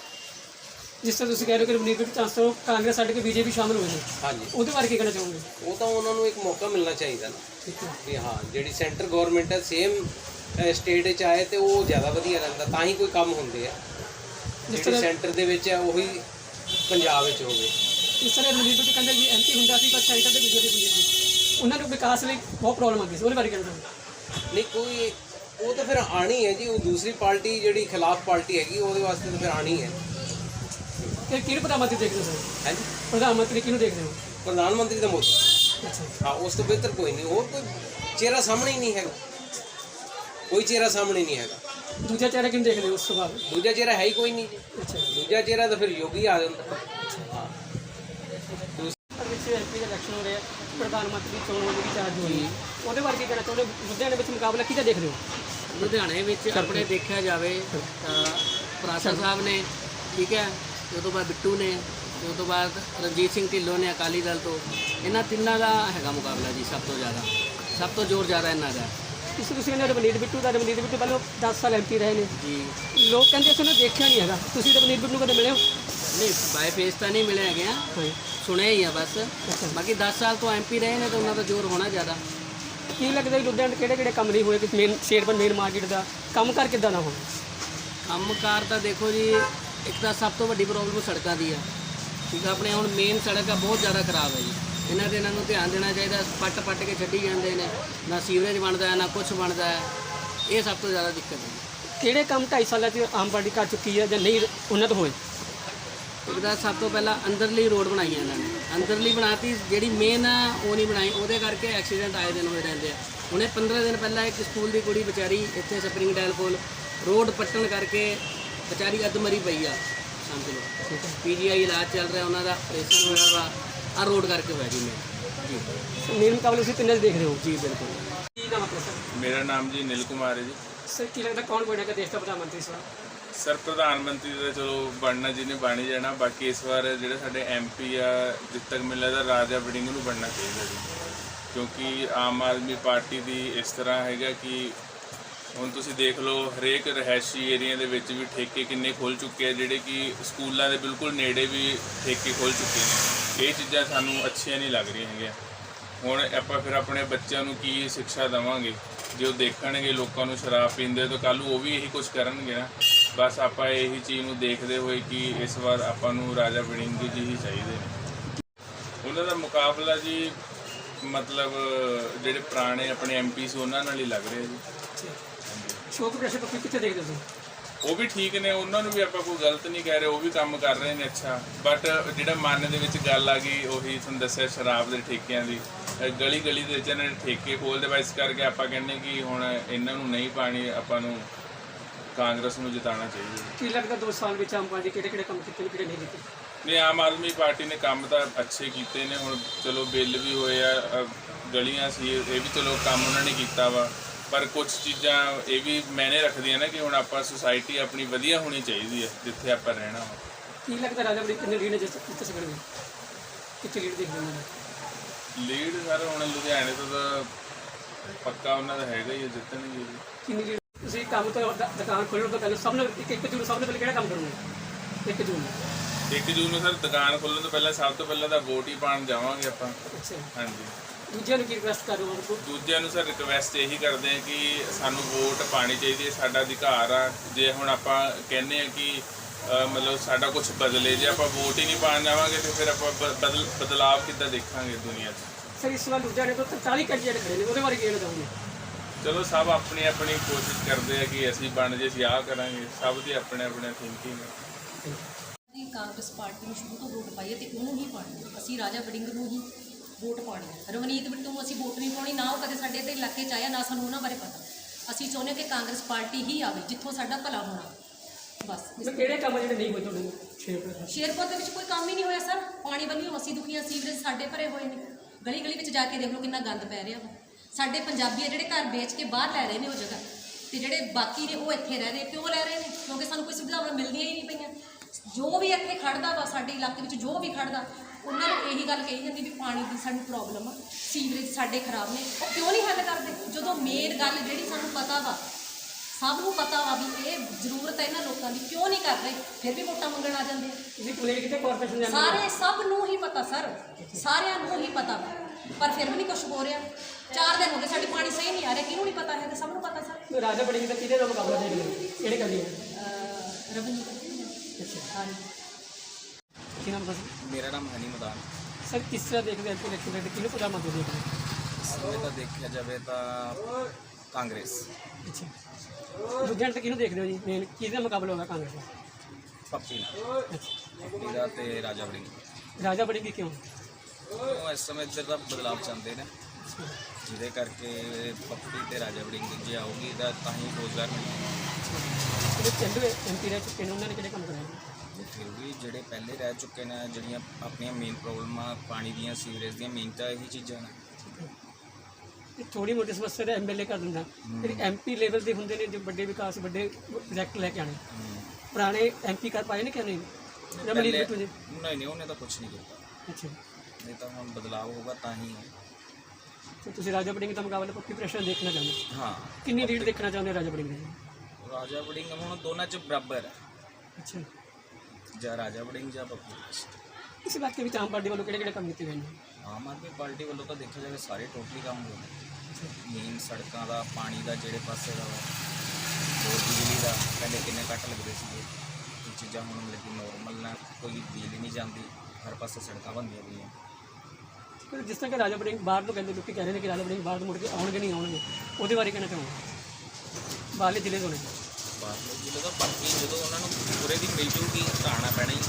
S2: ਜਿਸ ਤਰ੍ਹਾਂ ਤੁਸੀਂ ਕਹਿ ਰਹੇ ਹੋ ਕਿ ਰਵਨੀਤ ਬਿੱਟੂ ਚਾਂਸ ਤੋਂ ਕਾਂਗਰਸ ਛੱਡ ਕੇ ਬੀਜੇਪੀ ਸ਼ਾਮਲ ਹੋਏ ਨੇ,
S5: ਹਾਂਜੀ,
S2: ਉਹਦੇ ਬਾਰੇ ਕੀ ਕਹਿਣਾ ਚਾਹੋਗੇ?
S5: ਉਹ ਤਾਂ ਉਹਨਾਂ ਨੂੰ ਇੱਕ ਮੌਕਾ ਮਿਲਣਾ ਚਾਹੀਦਾ ਨਾ
S2: ਠੀਕ ਹੈ,
S5: ਵੀ ਹਾਂ ਜਿਹੜੀ ਸੈਂਟਰ ਗਵਰਨਮੈਂਟ ਹੈ ਸੇਮ ਸਟੇਟ 'ਚ ਆਏ ਤੇ ਉਹ ਜ਼ਿਆਦਾ ਵਧੀਆ ਰਹਿੰਦਾ, ਤਾਂ ਹੀ ਕੋਈ ਕੰਮ ਹੁੰਦੇ ਆ।
S2: ਜਿਸ
S5: ਜਿਹੜੀ
S2: ਤਰ੍ਹਾਂ
S5: ਸੈਂਟਰ ਦੇ ਵਿੱਚ ਹੈ ਉਹੀ ਪੰਜਾਬ ਵਿੱਚ ਹੋਵੇ।
S2: ਇਸ ਤਰ੍ਹਾਂ ਰਵਨੀਤ ਬਿੱਟੂ ਕਹਿੰਦੇ ਜੀ ਐਮਪੀ ਹੁੰਦਾ ਸੀ ਪਰ ਸੈਂਟਰ ਦੇ ਬੀਜੇਪੀ ਹੁੰਦੀ ਸੀ, ਉਹਨਾਂ ਨੂੰ ਵਿਕਾਸ ਲਈ ਬਹੁਤ ਪ੍ਰੋਬਲਮ ਆਉਂਦੀ ਸੀ, ਉਹਦੇ ਬਾਰੇ ਕਹਿਣਾ ਚਾਹੋਗੇ?
S5: ਨਹੀਂ ਕੋਈ ਉਹ ਤਾਂ ਫਿਰ ਆਣੀ ਹੈ ਜੀ, ਉਹ ਦੂਸਰੀ ਪਾਰਟੀ ਜਿਹੜੀ ਖਿਲਾਫ ਪਾਰਟੀ ਹੈਗੀ ਉਹਦੇ ਵਾਸਤੇ ਤਾਂ ਫਿਰ ਆਣੀ ਹੈ।
S2: ਕਿ ਕਿਹਨੂੰ ਪ੍ਰਧਾਨ ਮੰਤਰੀ ਦੇਖਦੇ ਹੋ ਸਰ?
S5: ਹਾਂਜੀ,
S2: ਪ੍ਰਧਾਨ ਮੰਤਰੀ ਕਿਹਨੂੰ ਦੇਖਦੇ ਹੋ?
S5: ਪ੍ਰਧਾਨ ਮੰਤਰੀ ਦਾ ਮੋਦੀ।
S2: ਅੱਛਾ
S5: ਹਾਂ ਉਸ ਤੋਂ ਬਿਹਤਰ ਕੋਈ ਨਹੀਂ, ਹੋਰ ਕੋਈ ਚਿਹਰਾ ਸਾਹਮਣੇ ਹੀ ਨਹੀਂ ਹੈਗਾ, ਕੋਈ ਚਿਹਰਾ ਸਾਹਮਣੇ ਨਹੀਂ ਹੈਗਾ।
S2: ਦੂਜਾ ਚਿਹਰਾ ਕਿਹਨੂੰ ਦੇਖਦੇ ਹੋ ਉਸ ਤੋਂ ਬਾਅਦ?
S5: ਦੂਜਾ ਚਿਹਰਾ ਹੈ ਹੀ ਕੋਈ ਨਹੀਂ ਜੀ,
S2: ਅੱਛਾ
S5: ਦੂਜਾ ਚਿਹਰਾ ਤਾਂ ਫਿਰ ਯੋਗੀ ਆ ਜਾਂਦਾ। ਹਾਂ
S2: ਵਿੱਚ ਐਮਪੀ ਦਾ ਇਲੈਕਸ਼ਨ ਹੋ ਰਿਹਾ, ਪ੍ਰਧਾਨ ਮੰਤਰੀ ਚੋਣ ਹੋਣ ਦੀ ਚਾਰਜ ਹੋ ਰਹੀ ਹੈ, ਉਹਦੇ ਬਾਰੇ ਕੀ ਕਹਿਣਾ ਚਾਹੁੰਦੇ ਹੋ? ਲੁਧਿਆਣੇ ਵਿੱਚ ਮੁਕਾਬਲਾ ਕਿਹਦਾ ਦੇਖਦੇ ਹੋ?
S6: ਲੁਧਿਆਣੇ ਵਿੱਚ ਆਪਣੇ ਦੇਖਿਆ ਜਾਵੇ ਤਾਂ ਪਰਾਸਾ ਸਾਹਿਬ ਨੇ, ਠੀਕ ਹੈ, ਤੇ ਉਹ ਤੋਂ ਬਾਅਦ ਬਿੱਟੂ ਨੇ, ਤੇ ਉਹ ਤੋਂ ਬਾਅਦ ਰਣਜੀਤ ਸਿੰਘ ਢਿੱਲੋਂ ਨੇ ਅਕਾਲੀ ਦਲ ਤੋਂ। ਇਹਨਾਂ ਤਿੰਨਾਂ ਦਾ ਹੈਗਾ ਮੁਕਾਬਲਾ ਜੀ, ਸਭ ਤੋਂ ਜ਼ਿਆਦਾ, ਸਭ ਤੋਂ ਜ਼ੋਰ ਜ਼ਿਆਦਾ ਇਹਨਾਂ ਦਾ
S2: ਤੁਸੀਂ ਤੁਸੀਂ ਕਹਿੰਦੇ ਰਵਨੀਤ ਬਿੱਟੂ ਦਾ, ਰਵਨੀਤ ਬਿੱਟੂ ਪਹਿਲਾਂ ਦਸ ਸਾਲ ਐਮਪੀ ਰਹੇ ਨੇ
S6: ਜੀ।
S2: ਲੋਕ ਕਹਿੰਦੇ ਅਸੀਂ ਉਹਨੂੰ ਦੇਖਿਆ ਨਹੀਂ ਹੈਗਾ, ਤੁਸੀਂ ਰਵਨੀਤ ਬਿੱਟੂ ਨੂੰ ਕਦੇ ਮਿਲੇ ਹੋ?
S6: ਨਹੀਂ ਬਾਈ ਫੇਸ ਤਾਂ ਨਹੀਂ ਮਿਲੇ ਹੈਗੇ ਆ, ਸੁਣਿਆ ਹੀ ਆ ਬਸ। ਬਾਕੀ ਦਸ ਸਾਲ ਤੋਂ ਐਮਪੀ ਰਹੇ ਨੇ ਤਾਂ ਉਹਨਾਂ ਦਾ ਜ਼ੋਰ ਹੋਣਾ ਜ਼ਿਆਦਾ।
S2: ਕੀ ਲੱਗਦਾ ਲੁਧਿਆਣੇ ਕਿਹੜੇ ਕਿਹੜੇ ਕੰਮ ਨਹੀਂ ਹੋਏ ਕਿ ਮੇਨ ਸ਼ੇਰਪਨ ਮੇਨ ਮਾਰਕੀਟ ਦਾ ਕੰਮ ਕਰ ਕਿੱਦਾਂ ਨਾ ਹੋਣਾ?
S6: ਕੰਮਕਾਰ ਤਾਂ ਦੇਖੋ ਜੀ, ਇੱਕ ਤਾਂ ਸਭ ਤੋਂ ਵੱਡੀ ਪ੍ਰੋਬਲਮ ਸੜਕਾਂ ਦੀ ਆ, ਠੀਕ ਆ। ਆਪਣੇ ਹੁਣ ਮੇਨ ਸੜਕ ਆ ਬਹੁਤ ਜ਼ਿਆਦਾ ਖਰਾਬ ਹੈ ਜੀ, ਇਹਨਾਂ 'ਤੇ ਇਹਨਾਂ ਨੂੰ ਧਿਆਨ ਦੇਣਾ ਚਾਹੀਦਾ। ਪੱਟ ਪੱਟ ਕੇ ਛੱਡੀ ਜਾਂਦੇ ਨੇ, ਨਾ ਸੀਵਰੇਜ ਬਣਦਾ ਹੈ ਨਾ ਕੁਛ ਬਣਦਾ ਹੈ, ਇਹ ਸਭ ਤੋਂ ਜ਼ਿਆਦਾ ਦਿੱਕਤ ਹੈ।
S2: ਕਿਹੜੇ ਕੰਮ ਢਾਈ ਸਾਲਾਂ 'ਚ ਆਮ ਪਾਰਟੀ ਕਰ ਚੁੱਕੀ ਹੈ ਜਾਂ ਨਹੀਂ ਉन्नत ਹੋਏ?
S6: ਇੱਕ ਤਾਂ ਸਭ ਤੋਂ ਪਹਿਲਾਂ ਅੰਦਰਲੀ ਰੋਡ ਬਣਾਈ ਹੈ ਇਹਨਾਂ ਨੇ, ਅੰਦਰਲੀ ਬਣਾਤੀ, ਜਿਹੜੀ ਮੇਨ ਆ ਉਹ ਨਹੀਂ ਬਣਾਈ, ਉਹਦੇ ਕਰਕੇ ਐਕਸੀਡੈਂਟ ਆਏ ਦਿਨ ਹੋਏ ਰਹਿੰਦੇ ਆ। ਹੁਣੇ ਪੰਦਰਾਂ ਦਿਨ ਪਹਿਲਾਂ ਇੱਕ ਸਕੂਲ ਦੀ ਕੁੜੀ ਵਿਚਾਰੀ ਇੱਥੇ ਸਪਰਿੰਗ ਡੈਲ ਕੋਲ ਰੋਡ ਪੱਟਣ ਕਰਕੇ ਵਿਚਾਰੀ ਅਧਮਰੀ ਪਈ ਆ, ਸਮਝ ਲਓ। ਪੀ ਜੀ ਆਈ ਇਲਾਜ ਚੱਲ ਰਿਹਾ ਉਹਨਾਂ ਦਾ, ਆਪਰੇਸ਼ਨ ਹੋਇਆ ਵਾ, ਆ ਰੋਡ ਕਰਕੇ ਹੋਇਆ ਜੀ ਮੇਨ ਜੀ।
S2: ਮੇਨ ਮੁਕਾਬਲੇ ਤੁਸੀਂ ਤਿੰਨੇ ਦੇਖ ਰਹੇ ਹੋ
S6: ਜੀ ਬਿਲਕੁਲ।
S2: ਕੀ ਨਾਮ ਆਪਣਾ ਸਰ?
S7: मेरा नाम जी नील कुमार है जी।
S2: सर की लगता कौन बनेगा देश का प्रधानमंत्री इस बार?
S7: ਸਰ ਪ੍ਰਧਾਨ ਮੰਤਰੀ ਦਾ ਚਲੋ ਬਣਨਾ ਜਿਹਨੇ ਬਣ ਹੀ ਜਾਣਾ, ਬਾਕੀ ਇਸ ਵਾਰ ਜਿਹੜੇ ਸਾਡੇ ਐਮਪੀ ਆ ਜਿੱਦ ਤੱਕ ਮੈਨੂੰ ਲੱਗਦਾ ਰਾਜਾ ਵੜਿੰਗ ਨੂੰ ਬਣਨਾ ਚਾਹੀਦਾ ਜੀ, ਕਿਉਂਕਿ ਆਮ ਆਦਮੀ ਪਾਰਟੀ ਦੀ ਇਸ ਤਰ੍ਹਾਂ ਹੈਗਾ ਕਿ ਹੁਣ ਤੁਸੀਂ ਦੇਖ ਲਓ ਹਰੇਕ ਰਿਹਾਇਸ਼ੀ ਏਰੀਆ ਦੇ ਵਿੱਚ ਵੀ ਠੇਕੇ ਕਿੰਨੇ ਖੁੱਲ੍ਹ ਚੁੱਕੇ ਆ, ਜਿਹੜੇ ਕਿ ਸਕੂਲਾਂ ਦੇ ਬਿਲਕੁਲ ਨੇੜੇ ਵੀ ਠੇਕੇ ਖੁੱਲ੍ਹ ਚੁੱਕੇ ਨੇ। ਇਹ ਚੀਜ਼ਾਂ ਸਾਨੂੰ ਅੱਛੀਆਂ ਨਹੀਂ ਲੱਗ ਰਹੀਆਂ ਹੈਗੀਆਂ। ਹੁਣ ਆਪਾਂ ਫਿਰ ਆਪਣੇ ਬੱਚਿਆਂ ਨੂੰ ਕੀ ਸਿੱਖਿਆ ਦੇਵਾਂਗੇ? ਜੇ ਉਹ ਦੇਖਣਗੇ ਲੋਕਾਂ ਨੂੰ ਸ਼ਰਾਬ ਪੀਂਦੇ ਤਾਂ ਕੱਲ੍ਹ ਨੂੰ ਉਹ ਵੀ ਇਹੀ ਕੁਝ ਕਰਨਗੇ ਨਾ। ਬਸ ਆਪਾਂ ਇਹੀ ਚੀਜ਼ ਨੂੰ ਦੇਖਦੇ ਹੋਏ ਕਿ ਇਸ ਵਾਰ ਆਪਾਂ ਨੂੰ ਰਾਜਾ ਵੜਿੰਗ ਜੀ ਹੀ ਚਾਹੀਦੇ ਨੇ। ਉਹਨਾਂ ਦਾ ਮੁਕਾਬਲਾ ਜੀ ਮਤਲਬ ਜਿਹੜੇ ਪੁਰਾਣੇ ਆਪਣੇ ਐਮਪੀ ਸੀ ਉਹਨਾਂ ਨਾਲ ਹੀ ਲੱਗ ਰਿਹਾ ਜੀ।
S2: ਸ਼ੋਕ ਪ੍ਰੈਸ਼ਰ ਤੋਂ ਕਿੱਥੇ ਦੇਖਦੇ ਹੋ?
S7: ਉਹ ਵੀ ਠੀਕ ਨੇ, ਉਹਨਾਂ ਨੂੰ ਵੀ ਆਪਾਂ ਕੋਈ ਗਲਤ ਨਹੀਂ ਕਹਿ ਰਹੇ, ਉਹ ਵੀ ਕੰਮ ਕਰ ਰਹੇ ਨੇ ਅੱਛਾ। ਬਟ ਜਿਹੜਾ ਮਨ ਦੇ ਵਿੱਚ ਗੱਲ ਆ ਗਈ ਉਹੀ ਤੁਹਾਨੂੰ ਦੱਸਿਆ ਸ਼ਰਾਬ ਦੇ ਠੇਕਿਆਂ ਦੀ, ਗਲੀ ਗਲੀ ਦੇ ਵਿੱਚ ਇਹਨਾਂ ਨੇ ਠੇਕੇ ਖੋਲ੍ਹਦੇ ਵਾ, ਇਸ ਕਰਕੇ ਆਪਾਂ ਕਹਿੰਦੇ ਕਿ ਹੁਣ ਇਹਨਾਂ ਨੂੰ ਨਹੀਂ ਪਾਣੀ, ਆਪਾਂ ਨੂੰ ਕਾਂਗਰਸ ਨੂੰ ਜਿਤਾਉਣਾ ਚਾਹੀਦਾ।
S2: ਕੀ ਲੱਗਦਾ ਦੋ ਸਾਲ ਵਿੱਚ ਆਮ ਪਾਰਟੀ ਕਿਹੜੇ ਕਿਹੜੇ ਕੰਮ ਕੀਤੇ ਨੇ, ਕਿਹੜੇ ਨਹੀਂ ਕੀਤੇ?
S7: ਨਹੀਂ, ਆਮ ਆਦਮੀ ਪਾਰਟੀ ਨੇ ਕੰਮ ਤਾਂ ਅੱਛੇ ਕੀਤੇ ਨੇ। ਹੁਣ ਚਲੋ ਬਿੱਲ ਵੀ ਹੋਏ ਆ, ਗਲੀਆਂ ਸੀ, ਇਹ ਵੀ ਚਲੋ ਕੰਮ ਉਹਨਾਂ ਨੇ ਕੀਤਾ ਵਾ, ਪਰ ਕੁਝ ਚੀਜ਼ਾਂ ਇਹ ਵੀ ਮੈਨੇ ਰੱਖਦੀਆਂ ਨੇ ਕਿ ਹੁਣ ਆਪਾਂ ਸੁਸਾਇਟੀ ਆਪਣੀ ਵਧੀਆ ਹੋਣੀ ਚਾਹੀਦੀ ਹੈ ਜਿੱਥੇ ਆਪਾਂ ਰਹਿਣਾ ਵਾ।
S2: ਕੀ ਲੱਗਦਾ ਰਾਜਾ ਵੜਿੰਗ ਕਿੰਨੇ ਲੀਡ ਜਿੱਤ ਸਕਣਗੇ? ਕਿੱਥੇ ਲੀਡ ਦੇਖਦੇ ਨੇ?
S7: ਲੀਡ ਸਰ ਹੁਣ ਲੁਧਿਆਣੇ ਤੋਂ ਤਾਂ ਪੱਕਾ ਉਹਨਾਂ ਦਾ ਹੈਗਾ ਹੀ ਹੈ, ਜਿੱਤਣਗੇ ਜੀ।
S2: ਕਿੰਨੀ ਲੀਡ? ਤੁਸੀਂ ਕੰਮ ਤੋਂ ਦ- ਦੁਕਾਨ ਖੋਲ੍ਹਣ ਤੋਂ ਪਹਿਲਾਂ ਸਭ ਨੂੰ ਇੱਕ ਇੱਕ ਜੂਨ ਸਭ ਤੋਂ ਪਹਿਲਾਂ ਕਿਹੜਾ ਕੰਮ ਕਰੋਗੇ? ਇੱਕ ਜੂਨ
S7: ਇੱਕ ਜੂਨ ਨੂੰ ਸਰ ਦੁਕਾਨ ਖੋਲ੍ਹਣ ਤੋਂ ਪਹਿਲਾਂ ਸਭ ਤੋਂ ਪਹਿਲਾਂ ਤਾਂ ਵੋਟ ਹੀ ਪਾਉਣ ਜਾਵਾਂਗੇ ਆਪਾਂ।
S2: ਅੱਛਾ।
S7: ਹਾਂਜੀ।
S2: ਦੂਜਿਆਂ ਨੂੰ ਕੀ ਰਿਕਵੈਸਟ ਕਰ ਰਹੇ ਹੋ?
S7: ਦੂਜਿਆਂ ਨੂੰ ਸਰ ਰਿਕਵੈਸਟ ਇਹੀ ਕਰਦੇ ਆ ਕਿ ਸਾਨੂੰ ਵੋਟ ਪਾਣੀ ਚਾਹੀਦੀ ਹੈ, ਸਾਡਾ ਅਧਿਕਾਰ ਆ। ਜੇ ਹੁਣ ਆਪਾਂ ਕਹਿੰਦੇ ਆ ਕਿ ਅ, ਮਤਲਬ ਸਾਡਾ ਕੁਝ ਬਦਲੇ, ਜੇ ਆਪਾਂ ਵੋਟ ਹੀ ਨਹੀਂ ਪਾਉਣ ਜਾਵਾਂਗੇ ਤਾਂ ਫਿਰ ਆਪਾਂ ਬ- ਬਦਲ ਬਦਲਾਵ ਕਿੱਦਾਂ ਦੇਖਾਂਗੇ ਦੁਨੀਆ 'ਚ?
S2: ਸਰ ਇਸ ਵਾਰ ਲੁਧਿਆਣੇ ਤੋਂ ਤਰਤਾਲੀ ਕੈਂਡੀਡੇਟ ਖੜੇ ਨੇ, ਉਹਦੇ ਬਾਰੇ ਕੀ बताओगे?
S7: ਚਲੋ ਸਭ ਆਪਣੀ ਆਪਣੀ ਕੋਸ਼ਿਸ਼ ਕਰਦੇ ਆ ਕਿ ਅਸੀਂ ਬਣ ਜੇ, ਅਸੀਂ ਆਹ ਕਰਾਂਗੇ। ਸਭ ਦੀ ਆਪਣੇ ਆਪਣੇ ਥਿੰਕਿੰਗ ਹੈ।
S8: ਅਸੀਂ ਕਾਂਗਰਸ ਪਾਰਟੀ ਨੂੰ ਸ਼ੁਰੂ ਤੋਂ ਵੋਟ ਪਾਈ ਹੈ ਤੇ ਉਹਨੂੰ ਹੀ ਪਾਣੀ ਹੈ। ਅਸੀਂ ਰਾਜਾ ਵੜਿੰਗ ਨੂੰ ਹੀ ਵੋਟ ਪਾਉਣੀ ਹੈ। ਰਵਨੀਤ ਬਿੱਟੂ ਨੂੰ ਅਸੀਂ ਵੋਟ ਨਹੀਂ ਪਾਉਣੀ, ਨਾ ਉਹ ਕਦੇ ਸਾਡੇ ਇੱਥੇ ਇਲਾਕੇ 'ਚ ਆਇਆ, ਨਾ ਸਾਨੂੰ ਉਹਨਾਂ ਬਾਰੇ ਪਤਾ। ਅਸੀਂ ਚਾਹੁੰਦੇ ਕਿ ਕਾਂਗਰਸ ਪਾਰਟੀ ਹੀ ਆਵੇ ਜਿੱਥੋਂ ਸਾਡਾ ਭਲਾ ਹੋਣਾ। ਬਸ
S2: ਕਿਹੜੇ ਕੰਮ ਜਿਹੜੇ ਨਹੀਂ ਹੋਏ ਤੁਹਾਡੇ ਸ਼ੇਰਪੁਰ?
S8: ਸ਼ੇਰਪੁਰ ਦੇ ਵਿੱਚ ਕੋਈ ਕੰਮ ਹੀ ਨਹੀਂ ਹੋਇਆ ਸਰ। ਪਾਣੀ ਵੱਲੋਂ ਅਸੀਂ ਦੁਖੀਆਂ, ਸੀਵਰੇਜ ਸਾਡੇ ਭਰੇ ਹੋਏ ਨੇ। ਗਲੀ ਗਲੀ ਵਿੱਚ ਜਾ ਕੇ ਦੇਖ ਲਓ ਕਿੰਨਾ ਗੰਦ ਪੈ ਰਿਹਾ ਵਾ। ਸਾਡੇ ਪੰਜਾਬੀ ਆ ਜਿਹੜੇ ਘਰ ਵੇਚ ਕੇ ਬਾਹਰ ਲੈ ਰਹੇ ਨੇ ਉਹ ਜਗ੍ਹਾ, ਤੇ ਜਿਹੜੇ ਬਾਕੀ ਨੇ ਉਹ ਇੱਥੇ ਰਹਿ ਰਹੇ। ਕਿਉਂ ਰਹਿ ਰਹੇ ਨੇ? ਕਿਉਂਕਿ ਸਾਨੂੰ ਕੋਈ ਸੁਵਿਧਾਵਾਂ ਮਿਲਦੀਆਂ ਹੀ ਨਹੀਂ ਪਈਆਂ। ਜੋ ਵੀ ਇੱਥੇ ਖੜਦਾ ਵਾ ਸਾਡੇ ਇਲਾਕੇ ਵਿੱਚ, ਜੋ ਵੀ ਖੜਦਾ, ਉਹਨਾਂ ਨੂੰ ਇਹੀ ਗੱਲ ਕਹੀ ਜਾਂਦੀ ਵੀ ਪਾਣੀ ਦੀ ਸਾਨੂੰ ਪ੍ਰੋਬਲਮ ਆ, ਸੀਵਰੇਜ ਸਾਡੇ ਖਰਾਬ ਨੇ। ਉਹ ਕਿਉਂ ਨਹੀਂ ਹੱਲ ਕਰਦੇ? ਜਦੋਂ ਮੇਨ ਗੱਲ ਜਿਹੜੀ ਸਾਨੂੰ ਪਤਾ ਵਾ, ਸਭ ਨੂੰ ਪਤਾ ਵਾ ਵੀ ਇਹ ਜ਼ਰੂਰਤ ਹੈ ਇਹਨਾਂ ਲੋਕਾਂ ਦੀ, ਕਿਉਂ ਨਹੀਂ ਕਰ ਰਹੇ? ਫਿਰ ਵੀ ਵੋਟਾਂ ਮੰਗਣ ਆ ਜਾਂਦੇ ਆ।
S2: ਤੁਸੀਂ ਕੰਪਲੇਂਟ ਕਿਤੇ ਕਾਰਪੋਰੇਸ਼ਨ ਜਾਂਦੇ?
S8: ਸਾਰੇ ਸਭ ਨੂੰ ਹੀ ਪਤਾ ਸਰ, ਸਾਰਿਆਂ ਨੂੰ ਹੀ ਪਤਾ ਵਾ, ਪਰ ਫਿਰ ਵੀ ਨਹੀਂ ਕੁਝ ਹੋ ਰਿਹਾ। ਚਾਰ ਦਿਨ ਹੋ ਗਏ ਸਾਡੇ ਪਾਣੀ ਸਹੀ ਨਹੀਂ ਆ ਰਿਹਾ, ਕਿਹਨੂੰ ਨਹੀਂ ਪਤਾ ਹੈ? ਤੇ ਸਭ ਨੂੰ ਪਤਾ ਸਰ।
S2: ਰਾਜਾ ਵੜਿੰਗ ਦਾ ਕਿਹਦੇ ਨਾਲ ਮੁਕਾਬਲਾ ਦੇਖਦੇ ਹੋ? ਕਿਹੜੇ ਕੈਂਡੀਡੇਟ?
S8: ਰਵਨੀਤ
S2: ਅੱਛਾ।
S8: ਹਾਂਜੀ।
S2: ਕੀ ਨਾਮ ਦੱਸ?
S9: ਮੇਰਾ ਨਾਮ ਹਨੀ ਮਦਾਨ।
S2: ਸਰ ਕਿਸ ਤਰ੍ਹਾਂ ਦੇਖਦੇ ਐਮਪੀ ਇਲੈਕਸ਼ਨ ਦੇ ਕਿਹਨੂੰ ਪ੍ਰਧਾਨ ਮੰਤਰੀ ਦੇਖਦੇ?
S9: ਸਮੇਂ ਤਾਂ ਦੇਖਿਆ ਜਾਵੇ ਤਾਂ ਕਾਂਗਰਸ।
S2: ਅੱਛਾ। ਲੁਧਿਆਣੇ ਤੇ ਕਿਹਨੂੰ ਦੇਖਦੇ ਹੋ ਜੀ? ਮੇਨ ਕਿਹਦਾ ਮੁਕਾਬਲਾ ਹੋਗਾ ਕਾਂਗਰਸ ਦਾ?
S9: ਪੱਪੀ ਨਾਲ।
S2: ਅੱਛਾ।
S9: ਪੱਪੀ ਦਾ ਤੇ ਰਾਜਾ ਵੜਿੰਗ।
S2: ਰਾਜਾ ਵੜਿੰਗ ਕਿਉਂ?
S9: ਉਹ ਇਸ ਸਮੇਂ ਇੱਧਰ ਦਾ ਬਦਲਾਵ ਚਾਹੁੰਦੇ ਨੇ, ਜਿਹਦੇ ਕਰਕੇ ਪੱਪੀ ਤੇ ਰਾਜਾ ਵੜਿੰਗ ਜੇ ਆਉਗੀ ਤਾਂ ਤਾਂ ਹੀ ਰੋਜ਼ਗਾਰ ਮਿਲੇਗਾ।
S2: ਜਿਹੜੇ ਚੰਦੂ ਐਮਪੀ ਰਹਿ ਚੁੱਕੇ ਨੇ ਉਹਨਾਂ ਨੇ ਕਿਹੜੇ ਕੰਮ ਕਰਾਏ?
S9: ਫਿਰ ਵੀ ਜਿਹੜੇ ਪਹਿਲੇ ਰਹਿ ਚੁੱਕੇ ਨੇ, ਜਿਹੜੀਆਂ ਆਪਣੀਆਂ ਮੇਨ ਪ੍ਰੋਬਲਮਾਂ ਪਾਣੀ ਦੀਆਂ, ਸੀਵਰੇਜ ਦੀਆਂ, ਮੇਨ ਤਾਂ ਇਹੀ ਚੀਜ਼ਾਂ ਨੇ।
S2: ਥੋੜੀ ਮੋਟੀ ਸਮੱਸਿਆ ਦਾ ਐਮਐਲਏ ਕਰ ਦਿੰਦਾ, ਫਿਰ ਐਮਪੀ ਲੈਵਲ ਦੇ ਹੁੰਦੇ ਨੇ ਜੋ ਵੱਡੇ ਵਿਕਾਸ, ਵੱਡੇ ਪ੍ਰੋਜੈਕਟ ਲੈ ਕੇ ਆਣੇ। ਪੁਰਾਣੇ ਐਮਪੀ ਕਰ ਪਾਏ ਨੇ ਕਿ ਨਹੀਂ? ਰਮਨੀਤ ਬਿੱਟੂ ਜੀ?
S9: ਨਹੀਂ ਨਹੀਂ, ਉਹਨੇ ਤਾਂ ਕੁਝ ਨਹੀਂ ਕੀਤਾ।
S2: ਅੱਛਾ।
S9: ਨਹੀਂ ਤਾਂ ਹੁਣ ਬਦਲਾਵ ਹੋਗਾ ਤਾਂ ਹੀ ਹੈ।
S2: ਤੇ ਤੁਸੀਂ ਰਾਜਾ ਵੜਿੰਗ ਦਾ ਮੁਕਾਬਲਾ ਪੱਕੀ ਪ੍ਰੈਸ਼ਰ ਦੇਖਣਾ ਚਾਹੁੰਦੇ?
S9: ਹਾਂ।
S2: ਕਿੰਨੀ ਲੀਡ ਦੇਖਣਾ ਚਾਹੁੰਦੇ ਰਾਜਾ ਵੜਿੰਗ ਦੀ?
S9: ਰਾਜਾ ਵੜਿੰਗ ਹੁਣ ਦੋਨਾਂ 'ਚ ਬਰਾਬਰ ਹੈ,
S2: ਅੱਛਾ।
S9: ਜਾਂ ਰਾਜਾ ਵੜਿੰਗ ਜਾਂ ਪੱਪੀ।
S2: ਇਸ ਇਲਾਕੇ ਵਿੱਚ ਆਮ ਪਾਰਟੀ ਵੱਲੋਂ ਕਿਹੜੇ ਕਿਹੜੇ ਕੰਮ ਕੀਤੇ ਗਏ ਨੇ?
S9: ਆਮ ਆਦਮੀ ਪਾਰਟੀ ਵੱਲੋਂ ਤਾਂ ਦੇਖਿਆ ਜਾਵੇ ਸਾਰੇ ਟੋਟਲੀ ਕੰਮ ਹੋਏ ਨੇ। ਮੇਨ ਸੜਕਾਂ ਦਾ, ਪਾਣੀ ਦਾ, ਜਿਹੜੇ ਪਾਸੇ ਦਾ ਵਾ, ਹੋਰ ਬਿਜਲੀ ਦਾ ਪਹਿਲੇ ਕਿੰਨੇ ਕੱਟ ਲੱਗਦੇ ਸੀਗੇ, ਇਹ ਚੀਜ਼ਾਂ ਹੁਣ ਮਤਲਬ ਕਿ ਨੋਰਮਲ ਨਾ, ਕੋਈ ਬਿਜਲੀ ਨਹੀਂ ਜਾਂਦੀ, ਹਰ ਪਾਸੇ ਸੜਕਾਂ ਬਣਦੀਆਂ ਪਈਆਂ।
S2: ਪਰ ਜਿਸ ਤਰ੍ਹਾਂ ਕਿ ਰਾਜਾ ਵੜਿੰਗ ਬਾਹਰ ਤੋਂ ਕਹਿੰਦੇ, ਲੋਕੀ ਕਹਿ ਰਹੇ ਨੇ ਕਿ ਰਾਜਾ ਵੜਿੰਗ ਬਾਹਰ ਤੋਂ ਮੁੜ ਕੇ ਆਉਣਗੇ ਨਹੀਂ ਆਉਣਗੇ, ਉਹਦੇ ਬਾਰੇ ਕਹਿਣਾ ਚਾਹੁੰਦਾ? ਬਾਹਰਲੇ ਜ਼ਿਲ੍ਹੇ ਤੋਂ ਨੇ
S9: ਬਾਹਰਲੇ ਜ਼ਿਲ੍ਹੇ ਤੋਂ ਬਾਕੀ ਜਦੋਂ ਉਹਨਾਂ ਨੂੰ ਪੂਰੇ ਦੀ ਮਿਲ ਜੂਗੀ ਤਾਂ ਆਉਣਾ ਪੈਣਾ ਹੀ।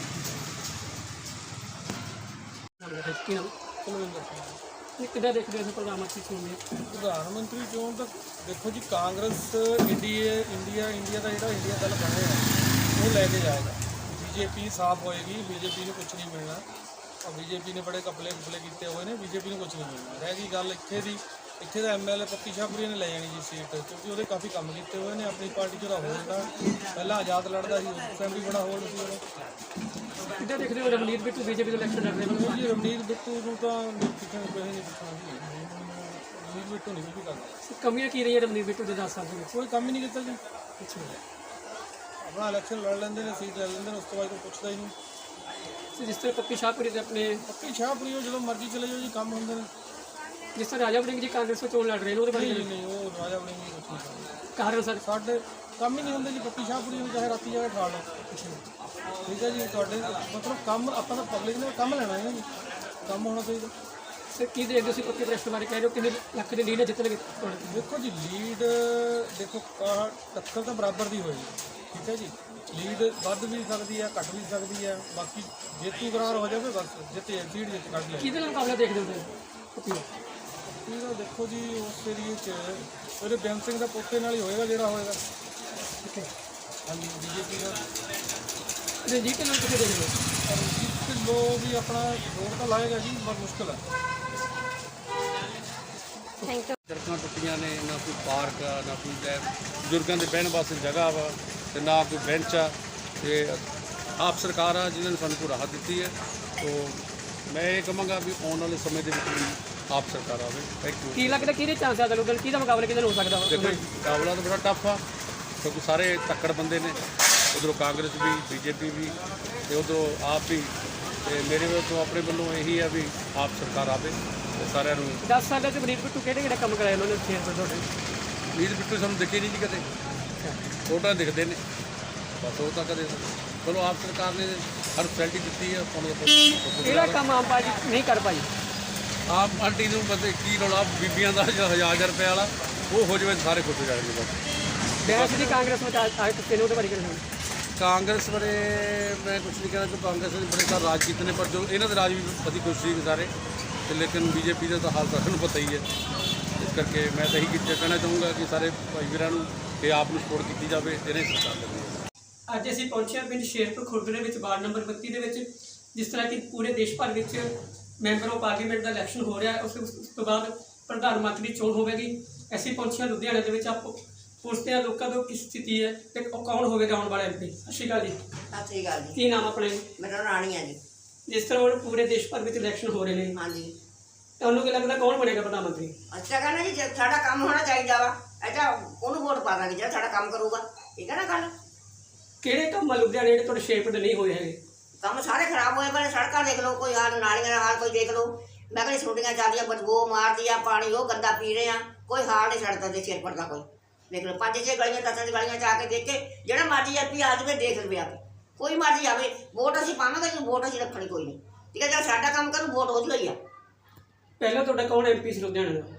S2: ਕੀ ਨਾਮ? ਕਿੱਦਾਂ ਦੇਖਦੇ ਹੋ ਪ੍ਰਧਾਨ ਮੰਤਰੀ ਚੋਣ ਦੇ?
S10: ਪ੍ਰਧਾਨ ਮੰਤਰੀ ਚੋਣ ਤਾਂ ਦੇਖੋ ਜੀ, ਕਾਂਗਰਸ ਇੰਡੀਆ ਇੰਡੀਆ ਇੰਡੀਆ ਦਾ ਜਿਹੜਾ ਇੰਡੀਆ ਦਲ ਬਣਿਆ ਹੈ ਉਹ ਲੈ ਕੇ ਜਾਏਗਾ। ਬੀਜੇਪੀ ਸਾਫ਼ ਹੋਏਗੀ, ਬੀਜੇਪੀ ਨੂੰ ਕੁਝ ਨਹੀਂ ਮਿਲਣਾ। ਔਰ ਬੀਜੇਪੀ ਨੇ ਬੜੇ ਕਪਲੇ ਕੁਪਲੇ ਕੀਤੇ ਹੋਏ ਨੇ, ਬੀਜੇਪੀ ਨੂੰ ਕੁਝ ਨਹੀਂ ਮਿਲਣਾ। ਰਹਿ ਗਈ ਗੱਲ ਇੱਥੇ ਦੀ ਇੱਥੇ ਦਾ ਐਮਐਲਏ ਪੱਪੀ ਸ਼ਾਹਪੁਰੀ ਨੇ ਲੈ ਜਾਣੀ ਜੀ ਸੀਟ, ਕਿਉਂਕਿ ਉਹਦੇ ਕਾਫੀ ਕੰਮ ਕੀਤੇ ਹੋਏ ਨੇ। ਆਪਣੀ ਪਾਰਟੀ 'ਚ ਉਹਦਾ ਹੋਲਡ ਆ, ਪਹਿਲਾਂ ਆਜ਼ਾਦ ਲੜਦਾ ਸੀ, ਉਸ ਟਾਈਮ ਵੀ ਬੜਾ ਹੋਲਡ ਸੀ ਉਹਦਾ।
S2: ਕਿੱਦਾਂ ਦੇਖਦੇ ਹੋ ਰਮਨੀਤ ਬਿੱਟੂ ਬੀਜੇਪੀ ਦੇ ਇਲੈਕਸ਼ਨ ਲੜ ਰਹੇ ਨੇ?
S10: ਜੀ ਰਮਨੀਤ ਬਿੱਟੂ ਨੂੰ ਤਾਂ ਕਿਸੇ ਨੂੰ ਨਹੀਂ ਪੁੱਛਣਾ ਜੀ, ਰਮਨੀਤ ਬਿੱਟੂ ਨਹੀਂ ਕੁਝ ਵੀ ਕਰਦਾ।
S2: ਕਮੀਆਂ ਕੀ ਰਹੀਆਂ ਰਮਨੀਤ ਬਿੱਟੂ ਦੇ ਦਸ ਸਾਲ ਦੇ ਵਿੱਚ?
S10: ਕੋਈ ਕੰਮ ਹੀ ਨਹੀਂ ਕੀਤਾ ਜੀ,
S2: ਅੱਛਾ
S10: ਆਪਣਾ ਇਲੈਕਸ਼ਨ ਲੜ ਲੈਂਦੇ ਨੇ, ਸੀਟ ਲੈ ਲੈਂਦੇ ਨੇ, ਉਸ ਤੋਂ ਬਾਅਦ ਕੋਈ ਪੁੱਛਦਾ ਹੀ ਨਹੀਂ।
S2: ਤੇ ਜਿਸ ਤਰ੍ਹਾਂ ਪੱਪੀ ਸ਼ਾਹਪੁਰੀ ਦੇ ਆਪਣੇ
S10: ਪੱਪੀ ਸ਼ਾਹਪੁਰੀ ਉਹ ਜਦੋਂ ਮਰਜ਼ੀ ਚਲੇ ਜਾਓ ਜੀ, ਕੰਮ ਹੁੰਦੇ ਨੇ।
S2: ਜਿਸ ਤਰ੍ਹਾਂ ਰਾਜਾ ਵੜਿੰਗ ਜੀ ਕਾਂਗਰਸ ਤੋਂ ਚੋਣ ਲੜ ਰਹੇ ਨੇ, ਉਹਦੇ ਬਾਰੇ
S10: ਨਹੀਂ ਨਹੀਂ ਉਹ ਰਾਜਾ ਵੜਿੰਗ ਨਹੀਂ ਕੁਛ ਨਹੀਂ ਕਰਦਾ।
S2: ਕਾਰਨ ਸਰ
S10: ਸਾਡੇ ਕੰਮ ਹੀ ਨਹੀਂ ਹੁੰਦੇ ਜੀ। ਪੱਪੀ ਸ਼ਾਹਪੁਰੀ ਨੂੰ ਚਾਹੇ ਰਾਤੀ ਜਾ ਕੇ ਠਾਲ ਲਓ, ਠੀਕ ਹੈ ਜੀ। ਤੁਹਾਡੇ ਮਤਲਬ ਕੰਮ ਆਪਾਂ ਤਾਂ ਪਬਲਿਕ ਨੇ ਕੰਮ ਲੈਣਾ ਹੈ ਨਾ ਜੀ, ਕੰਮ ਹੋਣਾ ਚਾਹੀਦਾ।
S2: ਸਰ ਕੀ ਦੇਖਦੇ ਤੁਸੀਂ ਪੱਪੀ ਪ੍ਰੈਸ ਬਾਰੇ ਕਹਿ ਰਹੇ ਹੋ, ਕਿੰਨੇ ਲੱਖ ਦੇ ਲੀਡ ਜਿੱਤਣਗੇ ਤੁਹਾਡੇ?
S10: ਦੇਖੋ ਜੀ ਲੀਡ ਦੇਖੋ ਆਹ ਟੱਕਰ ਤਾਂ ਬਰਾਬਰ ਦੀ ਹੋਏਗੀ, ਠੀਕ ਹੈ ਜੀ। ਲੀਡ ਵੱਧ ਵੀ ਸਕਦੀ ਹੈ, ਘੱਟ ਵੀ ਸਕਦੀ ਹੈ, ਬਾਕੀ ਜੇਤੂ ਕਰਾਰ ਹੋ ਜਾਵੇ ਬਸ ਜਿੱਤੇ ਸੀਟ ਜਿੱਤ ਕੱਢ ਲੈ।
S2: ਕਿਹਦੇ ਨਾਲ ਮੁਕਾਬਲਾ ਦੇਖਦੇ ਹੋ ਤੁਸੀਂ ਪੱਪੀ ਦਾ?
S10: ਇਹਦਾ ਦੇਖੋ ਜੀ ਉਸ ਏਰੀਏ 'ਚ ਉਹਦੇ ਬੇਅੰਤ ਸਿੰਘ ਦਾ ਪੋਤੇ ਨਾਲ ਹੀ ਹੋਏਗਾ ਜਿਹੜਾ ਹੋਏਗਾ।
S2: ਠੀਕ ਹੈ।
S10: ਹਾਂਜੀ ਬੀਜੇਪੀ ਦਾ
S2: ਰਣਜੀਤ ਢਿੱਲੋਂ ਕਿੱਥੇ ਦੇਖਦੇ ਹੋ?
S10: ਰਣਜੀਤ ਢਿੱਲੋਂ ਵੀ ਆਪਣਾ ਜ਼ੋਰ ਤਾਂ ਲਾਏਗਾ ਜੀ, ਪਰ ਮੁਸ਼ਕਿਲ ਹੈ।
S11: ਸੜਕਾਂ ਟੁੱਟੀਆਂ ਨੇ, ਨਾ ਕੋਈ ਪਾਰਕ ਆ, ਨਾ ਕੋਈ ਲੈ ਬਜ਼ੁਰਗਾਂ ਦੇ ਬਹਿਣ ਵਾਸਤੇ ਜਗ੍ਹਾ ਵਾ, ਤੇ ਨਾ ਕੋਈ ਬੈਂਚ ਆ। ਤੇ ਆਪ ਸਰਕਾਰ ਆ ਜਿਨ੍ਹਾਂ ਨੇ ਸਾਨੂੰ ਕੋਈ ਰਾਹਤ ਦਿੱਤੀ ਹੈ। ਤੋ ਮੈਂ ਇਹ ਕਹਾਂਗਾ ਵੀ ਆਉਣ ਵਾਲੇ ਸਮੇਂ ਦੇ ਵਿੱਚ ਵੀ ਆਪ ਸਰਕਾਰ ਆਵੇ। Thank you.
S2: ਕੀ ਲੱਗਦਾ ਕਿਹਦੇ ਚਾਂਸ ਆ ਦਲ ਕਿਹਦਾ ਮੁਕਾਬਲਾ ਕਿਹਦੇ ਨਾਲ ਹੋ ਸਕਦਾ ਵਾ?
S11: ਦੇਖੋ ਮੁਕਾਬਲਾ ਤਾਂ ਬੜਾ ਟਫ ਆ, ਕਿਉਂਕਿ ਸਾਰੇ ਤੱਕੜ ਬੰਦੇ ਨੇ। ਉਧਰੋਂ ਕਾਂਗਰਸ ਵੀ, ਬੀਜੇਪੀ ਵੀ, ਤੇ ਉਧਰੋਂ ਆਪ ਵੀ। ਤੇ ਮੇਰੇ ਵੱਲੋਂ ਆਪਣੇ ਵੱਲੋਂ ਇਹੀ ਆ ਵੀ ਆਪ ਸਰਕਾਰ ਆਵੇ ਤੇ ਸਾਰਿਆਂ ਨੂੰ।
S2: ਦਸ ਸਾਲਾਂ 'ਚ ਰਣਜੀਤ ਬਿੱਟੂ ਕਿਹੜੇ ਕਿਹੜੇ ਕੰਮ ਕਰਾਏ ਉਹਨਾਂ ਨੇ ਸ਼ੇਅਰ ਪਰ ਤੁਹਾਡੇ?
S11: ਰਣਜੀਤ ਬਿੱਟੂ ਸਾਨੂੰ ਦਿਖੇ ਨਹੀਂ ਜੀ ਕਦੇ, ਫੋਟੋਆਂ ਦਿਖਦੇ ਨੇ ਬਸ, ਉਹ ਤਾਂ ਕਦੇ। ਚਲੋ ਆਪ ਸਰਕਾਰ ਨੇ ਹਰ ਫੈਸਿਲਿਟੀ ਦਿੱਤੀ ਹੈ।
S2: ਕਿਹੜਾ ਕੰਮ ਆਮ ਪਾਰਟੀ ਨਹੀਂ ਕਰ ਪਾਈ?
S11: ਆਪ ਪਾਰਟੀ ਨੂੰ ਬਸ ਕੀ ਰੌਲਾ ਬੀਬੀਆਂ ਦਾ ਹਜ਼ਾਰ ਹਜ਼ਾਰ ਰੁਪਏ ਵਾਲਾ ਉਹ ਹੋ ਜਾਵੇ ਸਾਰੇ ਖੁਸ਼ ਹੋ ਜਾਣਗੇ ਬਸ।
S2: ਬੈਂਸ ਦੀ ਕਾਂਗਰਸ ਵਿੱਚ ਆਏ ਕਿਸੇ ਨੇ ਉਹਦੇ ਬਾਰੇ ਕਿਹੜੇ?
S11: ਕਾਂਗਰਸ ਬਾਰੇ ਮੈਂ ਕੁਛ ਨਹੀਂ ਕਹਿਣਾ ਕਿ ਕਾਂਗਰਸ ਨੇ ਬੜੇ ਸਾਲ ਰਾਜ ਕੀਤੇ ਨੇ, ਪਰ ਜੋ ਇਹਨਾਂ ਦੇ ਰਾਜ ਵੀ ਬੜੀ ਖੁਸ਼ ਸੀ ਸਾਰੇ। ਤੇ ਲੇਕਿਨ ਬੀਜੇਪੀ ਦਾ ਤਾਂ ਹਾਲ ਤਾਂ ਸਾਨੂੰ ਪਤਾ ਹੀ ਹੈ। ਇਸ ਕਰਕੇ ਮੈਂ ਤਾਂ ਇਹੀ ਕਹਿਣਾ ਚਾਹੂੰਗਾ ਕਿ ਸਾਰੇ ਭਾਈ ਵੀਰਾਂ ਨੂੰ ਕਿ ਆਪ ਨੂੰ ਸਪੋਰਟ ਕੀਤੀ ਜਾਵੇ, ਇਹਨੇ ਸਰਕਾਰ ਕਰਨੀ ਹੈ।
S2: ਅੱਜ ਅਸੀਂ ਪਹੁੰਚੇ ਹਾਂ ਪਿੰਡ ਸ਼ੇਰਪੁਰ ਖੁਰਦ ਦੇ ਵਿੱਚ ਵਾਰਡ ਨੰਬਰ ਬੱਤੀ ਦੇ ਵਿੱਚ। ਜਿਸ ਤਰ੍ਹਾਂ ਕਿ ਪੂਰੇ ਦੇਸ਼ ਭਰ ਵਿੱਚ ਮੈਂਬਰ ਆਫ ਪਾਰਲੀਮੈਂਟ ਦਾ ਇਲੈਕਸ਼ਨ ਹੋ ਰਿਹਾ ਹੈ, ਉਸ ਉਸ ਤੋਂ ਬਾਅਦ ਪ੍ਰਧਾਨ ਮੰਤਰੀ ਦੀ ਚੋਣ ਹੋਵੇਗੀ। ਅਸੀਂ ਪਹੁੰਚੇ ਹਾਂ ਲੁਧਿਆਣੇ ਦੇ ਵਿੱਚ। ਆਪ ਪੁੱਛਦੇ ਹਾਂ ਲੋਕਾਂ ਤੋਂ ਕੀ ਸਥਿਤੀ ਹੈ ਤੇ ਉਹ ਕੌਣ ਹੋਵੇਗਾ ਆਉਣ ਵਾਲਾ ਐਮ ਪੀ। ਸਤਿ ਸ਼੍ਰੀ ਅਕਾਲ ਜੀ।
S12: ਸਤਿ ਸ਼੍ਰੀ ਅਕਾਲ ਜੀ।
S2: ਕੀ ਨਾਮ ਆਪਣੇ?
S12: ਮੇਰਾ ਰਾਣੀ ਹੈ ਜੀ।
S2: ਜਿਸ ਤਰ੍ਹਾਂ ਹੁਣ ਪੂਰੇ ਦੇਸ਼ ਭਰ ਵਿੱਚ ਇਲੈਕਸ਼ਨ ਹੋ ਰਹੇ ਨੇ,
S12: ਹਾਂਜੀ,
S2: ਤੁਹਾਨੂੰ ਕੀ ਲੱਗਦਾ ਕੌਣ ਬਣੇਗਾ ਪ੍ਰਧਾਨ ਮੰਤਰੀ?
S12: ਅੱਛਾ ਕਹਿੰਦਾ ਜੀ ਜੇ ਸਾਡਾ ਕੰਮ ਹੋਣਾ ਚਾਹੀਦਾ ਵਾ, ਅੱਛਾ ਉਹਨੂੰ ਵੋਟ ਪਾ ਦਾਂਗੇ ਜਿਹੜਾ ਸਾਡਾ ਕੰਮ ਕਰੂਗਾ, ਠੀਕ ਹੈ ਨਾ ਗੱਲ।
S2: ਕਿਹੜੇ ਕੰਮ ਆ ਲੁਧਿਆਣੇ ਜਿਹੜੇ ਤੁਹਾਡੇ ਸ਼ੇਰਪੁਰ ਦੇ ਨਹੀਂ ਹੋਏ ਹੈਗੇ?
S12: ਕੰਮ ਸਾਰੇ ਖਰਾਬ ਹੋਏ ਪਏ, ਸੜਕਾਂ ਦੇਖ ਲਓ, ਕੋਈ ਹਾਲ ਨਾਲੀਆਂ ਦਾ ਹਾਲ ਕੋਈ ਦੇਖ ਲਓ। ਮੈਂ ਕਹਿੰਦੀ ਛੋਟੀਆਂ ਚੱਲਦੀਆਂ, ਬਦਬੂ ਮਾਰਦੀ ਆ, ਪਾਣੀ ਉਹ ਗੰਦਾ ਪੀ ਰਹੇ ਆ, ਕੋਈ ਹਾਲ ਨਹੀਂ ਸੜਕਾਂ ਦੇ ਸ਼ੇਰਪੁਰ ਦਾ। ਕੋਈ ਦੇਖ ਲਓ ਪੰਜ ਛੇ ਗਲੀਆਂ ਦਸਾਂ ਦੀ ਗਲੀਆਂ 'ਚ ਆ ਕੇ ਦੇਖ ਕੇ ਜਿਹੜਾ ਮਰਜ਼ੀ ਐਮ ਪੀ ਆ ਜਾਵੇ ਦੇਖ ਲਵੇ ਆ ਕੇ, ਕੋਈ ਮਰਜ਼ੀ ਆਵੇ, ਵੋਟ ਅਸੀਂ ਪਾਵਾਂਗੇ ਜੀ, ਵੋਟ ਅਸੀਂ ਰੱਖਣੀ ਕੋਈ ਨਹੀਂ, ਠੀਕ ਹੈ। ਜਿਹੜਾ ਸਾਡਾ ਕੰਮ ਕਰੂ ਵੋਟ ਉਹਦੀ ਹੋਈ ਆ।
S2: ਪਹਿਲਾਂ ਤੁਹਾਡਾ ਕੌਣ ਐਮ ਪੀ ਸੀ ਲੁਧਿਆਣੇ ਦਾ?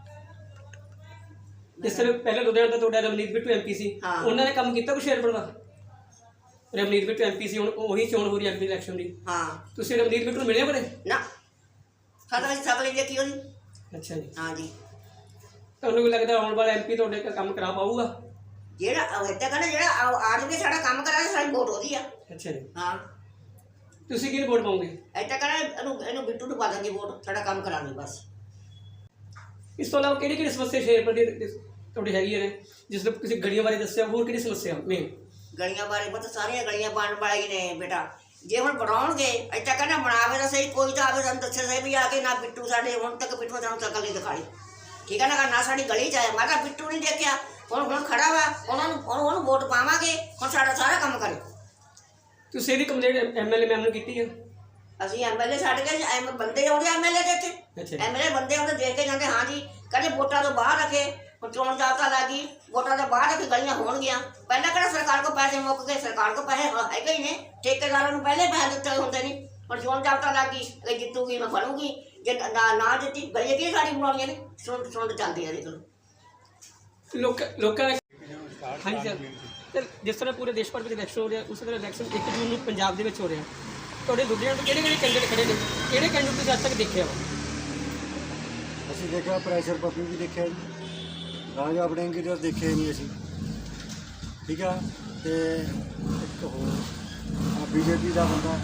S2: ਜਿਸ ਤਰ੍ਹਾਂ ਪਹਿਲਾਂ ਲੁਧਿਆਣੇ ਦਾ ਤੁਹਾਡਾ ਰਮਨੀਤ ਬਿੱਟੂ ਐਮ ਪੀ ਸੀ, ਉਹਨਾਂ ਨੇ ਕੰਮ ਕੀਤਾ ਕੋਈ ਸ਼ੇਰਪੁਰ ਦਾ? ਰਮਨੀਤ ਬਿੱਟੂ ਐਮ ਪੀ ਸੀ, ਹੁਣ ਉਹੀ ਚੋਣ ਹੋ ਰਹੀ ਐਮ ਪੀ ਇਲੈਕਸ਼ਨ ਦੀ।
S12: ਹਾਂ,
S2: ਤੁਸੀਂ ਰਮਨੀਤ ਬਿੱਟੂ ਨੂੰ ਮਿਲੇ ਬੜੇ?
S12: ਨਾ, ਸਾਡਾ ਅਸੀਂ ਸਭ ਲਈ ਦੇਖੀ ਉਹਦੀ।
S2: ਅੱਛਾ ਜੀ।
S12: ਹਾਂ ਜੀ।
S2: ਤੁਹਾਨੂੰ ਕੀ ਲੱਗਦਾ ਆਉਣ ਵਾਲਾ ਐਮ ਪੀ ਤੁਹਾਡੇ ਕੰਮ ਕਰਾ ਪਾਊਗਾ?
S12: ਜਿਹੜਾ ਇੱਦਾਂ ਕਹਿੰਦਾ ਜਿਹੜਾ ਆ ਜਾਵੇ ਸਾਡਾ ਕੰਮ ਕਰਾਂਗੇ, ਸਾਡੀ ਵੋਟ ਉਹਦੀ ਆ।
S2: ਅੱਛਾ ਜੀ।
S12: ਹਾਂ,
S2: ਤੁਸੀਂ ਕਿਹਨੂੰ ਵੋਟ ਪਾਓਗੇ?
S12: ਇੱਦਾਂ ਕਹਿੰਦਾ ਇਹਨੂੰ ਇਹਨੂੰ ਬਿੱਟੂ ਨੂੰ ਪਾ ਦਾਂਗੇ ਵੋਟ, ਸਾਡਾ ਕੰਮ ਕਰਾਂਗੇ ਬਸ।
S2: ਇਸ ਤੋਂ ਇਲਾਵਾ ਕਿਹੜੀ ਕਿਹੜੀ ਸਮੱਸਿਆ ਸ਼ੇਰਪੁਰ ਦੀ ਤੁਹਾਡੀ ਹੈਗੀ ਨੇ? ਜਿਸ ਤਰ੍ਹਾਂ ਤੁਸੀਂ ਗਲੀਆਂ ਬਾਰੇ ਦੱਸਿਆ, ਹੋਰ ਕਿਹੜੀ ਸਮੱਸਿਆ ਮੇਨ?
S12: ਗਲੀਆਂ ਬਾਰੇ ਪਤਾ ਸਾਰੀਆਂ ਗਲੀਆਂ ਬਣਨ ਵਾਲੀਆਂ ਨੇ ਬੇਟਾ। ਜੇ ਹੁਣ ਬਣਾਉਣਗੇ ਇੱਦਾਂ ਕਹਿੰਦਾ ਬਣਾਵੇ ਤਾਂ ਸਹੀ, ਕੋਈ ਤਾਂ ਆਵੇ ਸਾਨੂੰ ਦੱਸੇ ਸਹੀ ਵੀ ਆ ਕੇ ਨਾ ਬਿੱਟੂ ਸਾਡੇ ਹੁਣ ਤੱਕ ਬਿੱਟੂ ਸਾਨੂੰ ਸ਼ਕਲ ਨਹੀਂ ਦਿਖਾਈ, ਠੀਕ ਹੈ ਨਾ। ਨਾ ਸਾਡੀ ਗਲੀ 'ਚ ਆਇਆ, ਮੈਂ ਕਿਹਾ ਬਿੱਟੂ ਨਹੀਂ ਦੇਖਿਆ, ਹੁਣ ਹੁਣ ਖੜਾ ਵਾ, ਉਹਨਾਂ ਨੂੰ ਹੁਣ ਉਹਨੂੰ ਵੋਟ ਪਾਵਾਂਗੇ, ਹੁਣ ਸਾਡਾ ਸਾਰਾ ਕੰਮ ਕਰੇ।
S2: ਤੁਸੀਂ ਇਹਦੀ complaint M L A ma'am ਨੂੰ ਕੀਤੀ ਹੈ?
S12: ਅਸੀਂ ਐਮ ਐਲ ਏ ਛੱਡ ਕੇ ਐਮ ਬੰਦੇ ਆਉਂਦੇ ਐਮ ਐਲ ਏ ਦੇ ਇੱਥੇ, ਐਮ ਐਲ ਏ ਬੰਦੇ ਆਉਂਦੇ ਦੇਖ ਕੇ ਜਾਂਦੇ। ਹਾਂ ਜੀ, ਕਹਿੰਦੇ ਵੋਟਾਂ ਤੋਂ ਬਾਹਰ ਰੱਖੇ, ਹੁਣ ਚੋਣ ਜਾਬਤਾ ਲੱਗੀ, ਵੋਟਾਂ ਤੋਂ ਬਾਹਰ ਰੱਖੇ ਗਲੀਆਂ ਹੋਣਗੀਆਂ। ਪਹਿਲਾਂ ਕਿਹੜਾ ਸਰਕਾਰ ਕੋਲ ਪੈਸੇ ਮੁੱਕ ਗਏ, ਸਰਕਾਰ ਕੋਲ ਪੈਸੇ ਹੈਗੇ ਹੀ ਨੇ, ਠੇਕੇਦਾਰਾਂ ਨੂੰ ਪਹਿਲੇ ਪੈਸੇ ਦਿੱਤੇ ਹੁੰਦੇ ਨਹੀਂ। ਹੁਣ ਚੋਣ ਜਾਬਤਾ ਲੱਗ ਗਈ, ਇਹ ਜਿੱਤੂਗੀ ਮੈਂ ਫੜੂਗੀ, ਜੇ ਨਾ ਨਾ ਦਿੱਤੀ ਗਲੀਆਂ ਕੀ ਸਾਡੀ ਬਣਾਉਣੀਆਂ ਨੇ? ਸੁਣ ਸੁਣ ਚੱਲਦੀ ਆ ਦੇਖ ਲਓ।
S2: ਲੋਕ ਲੋਕਾਂ ਦਾ ਹਾਂਜੀ ਸਰ। ਤੇ ਜਿਸ ਤਰ੍ਹਾਂ ਪੂਰੇ ਦੇਸ਼ ਭਰ ਵਿੱਚ ਇਲੈਕਸ਼ਨ ਹੋ ਰਿਹਾ, ਉਸ ਤਰ੍ਹਾਂ ਇਲੈਕਸ਼ਨ ਇੱਕ ਜੂਨ ਨੂੰ ਪੰਜਾਬ ਦੇ ਵਿੱਚ ਹੋ ਰਿਹਾ। ਤੁਹਾਡੇ ਲੁਧਿਆਣੇ ਤੋਂ ਕਿਹੜੇ ਕਿਹੜੇ ਕੈਂਡੀਡੇਟ ਖੜੇ ਨੇ? ਕਿਹੜੇ ਕੈਂਡੀਡੇਟ ਤੁਸੀਂ ਅੱਜ ਤੱਕ ਦੇਖਿਆ ਵਾ?
S13: ਅਸੀਂ ਦੇਖਿਆ ਪ੍ਰੈਸ਼ਰ ਪੱਪੀ ਵੀ ਦੇਖਿਆ ਜੀ, ਰਾਜਾ ਵੜਿੰਗ ਜੀ ਦਾ ਦੇਖਿਆ ਨਹੀਂ ਅਸੀਂ, ਠੀਕ ਆ। ਤੇ ਇੱਕ ਹੋਰ ਆ ਬੀਜੇਪੀ ਦਾ ਬੰਦਾ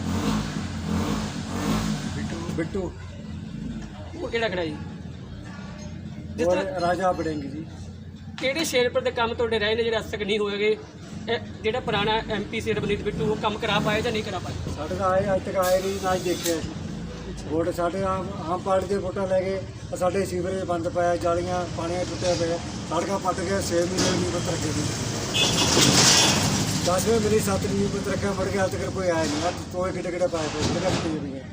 S13: ਬਿੱਟੂ ਬਿੱਟੂ
S2: ਉਹ ਕਿਹੜਾ ਖੜਾ ਜੀ? ਜਿਸ
S13: ਔਰ
S2: ਤਰ੍ਹਾਂ
S13: ਰਾਜਾ ਵੜਿੰਗ ਜੀ।
S2: ਕਿਹੜੇ ਸ਼ੇਰਪੁਰ ਦੇ ਕੰਮ ਤੁਹਾਡੇ ਰਹੇ ਨੇ ਜਿਹੜੇ ਅੱਜ ਤੱਕ ਨਹੀਂ ਹੋਏਗੇ? ਇਹ ਜਿਹੜਾ ਪੁਰਾਣਾ ਐਮਪੀ ਸੀ ਰਵਨੀਤ ਬਿੱਟੂ ਉਹ ਕੰਮ ਕਰਾ ਪਾਏ ਜਾਂ ਨਹੀਂ ਕਰਾ ਪਾਏ?
S13: ਸਾਡੇ ਤਾਂ ਆਏ ਅੱਜ ਤੱਕ ਆਏ ਨਹੀਂ, ਨਾ ਹੀ ਦੇਖਿਆ ਅਸੀਂ। ਵੋਟ ਸਾਡੇ ਆਮ ਆਮ ਪਾਰਟੀ ਦੇ ਵੋਟਾਂ ਲੈ ਕੇ ਆਹ ਸਾਡੇ ਸੀਵਰੇਜ ਬੰਦ ਪਿਆ, ਜਾਲੀਆਂ ਪਾਣੀਆਂ ਟੁੱਟਿਆ ਪਿਆ, ਸੜਕਾਂ ਪੱਟ ਕੇ ਛੇ ਮਹੀਨੇ ਨਹੀਂ ਪੱਤਰ ਰੱਖੇ ਸੀ। ਦਸਵੇਂ ਮੇਰੀ ਸੱਤ ਨਹੀਂ ਪੱਤਰ ਰੱਖਿਆ, ਮੁੜ ਕੇ ਅੱਜ ਤੱਕ ਕੋਈ ਆਇਆ ਨਹੀਂ। ਅੱਜ ਤੋਏ ਕਿੱਡੇ ਕਿੱਡੇ ਪਾਏ ਪਏ ਕਿਹੜੇ ਪੱਤੇ ਪਈਆਂ।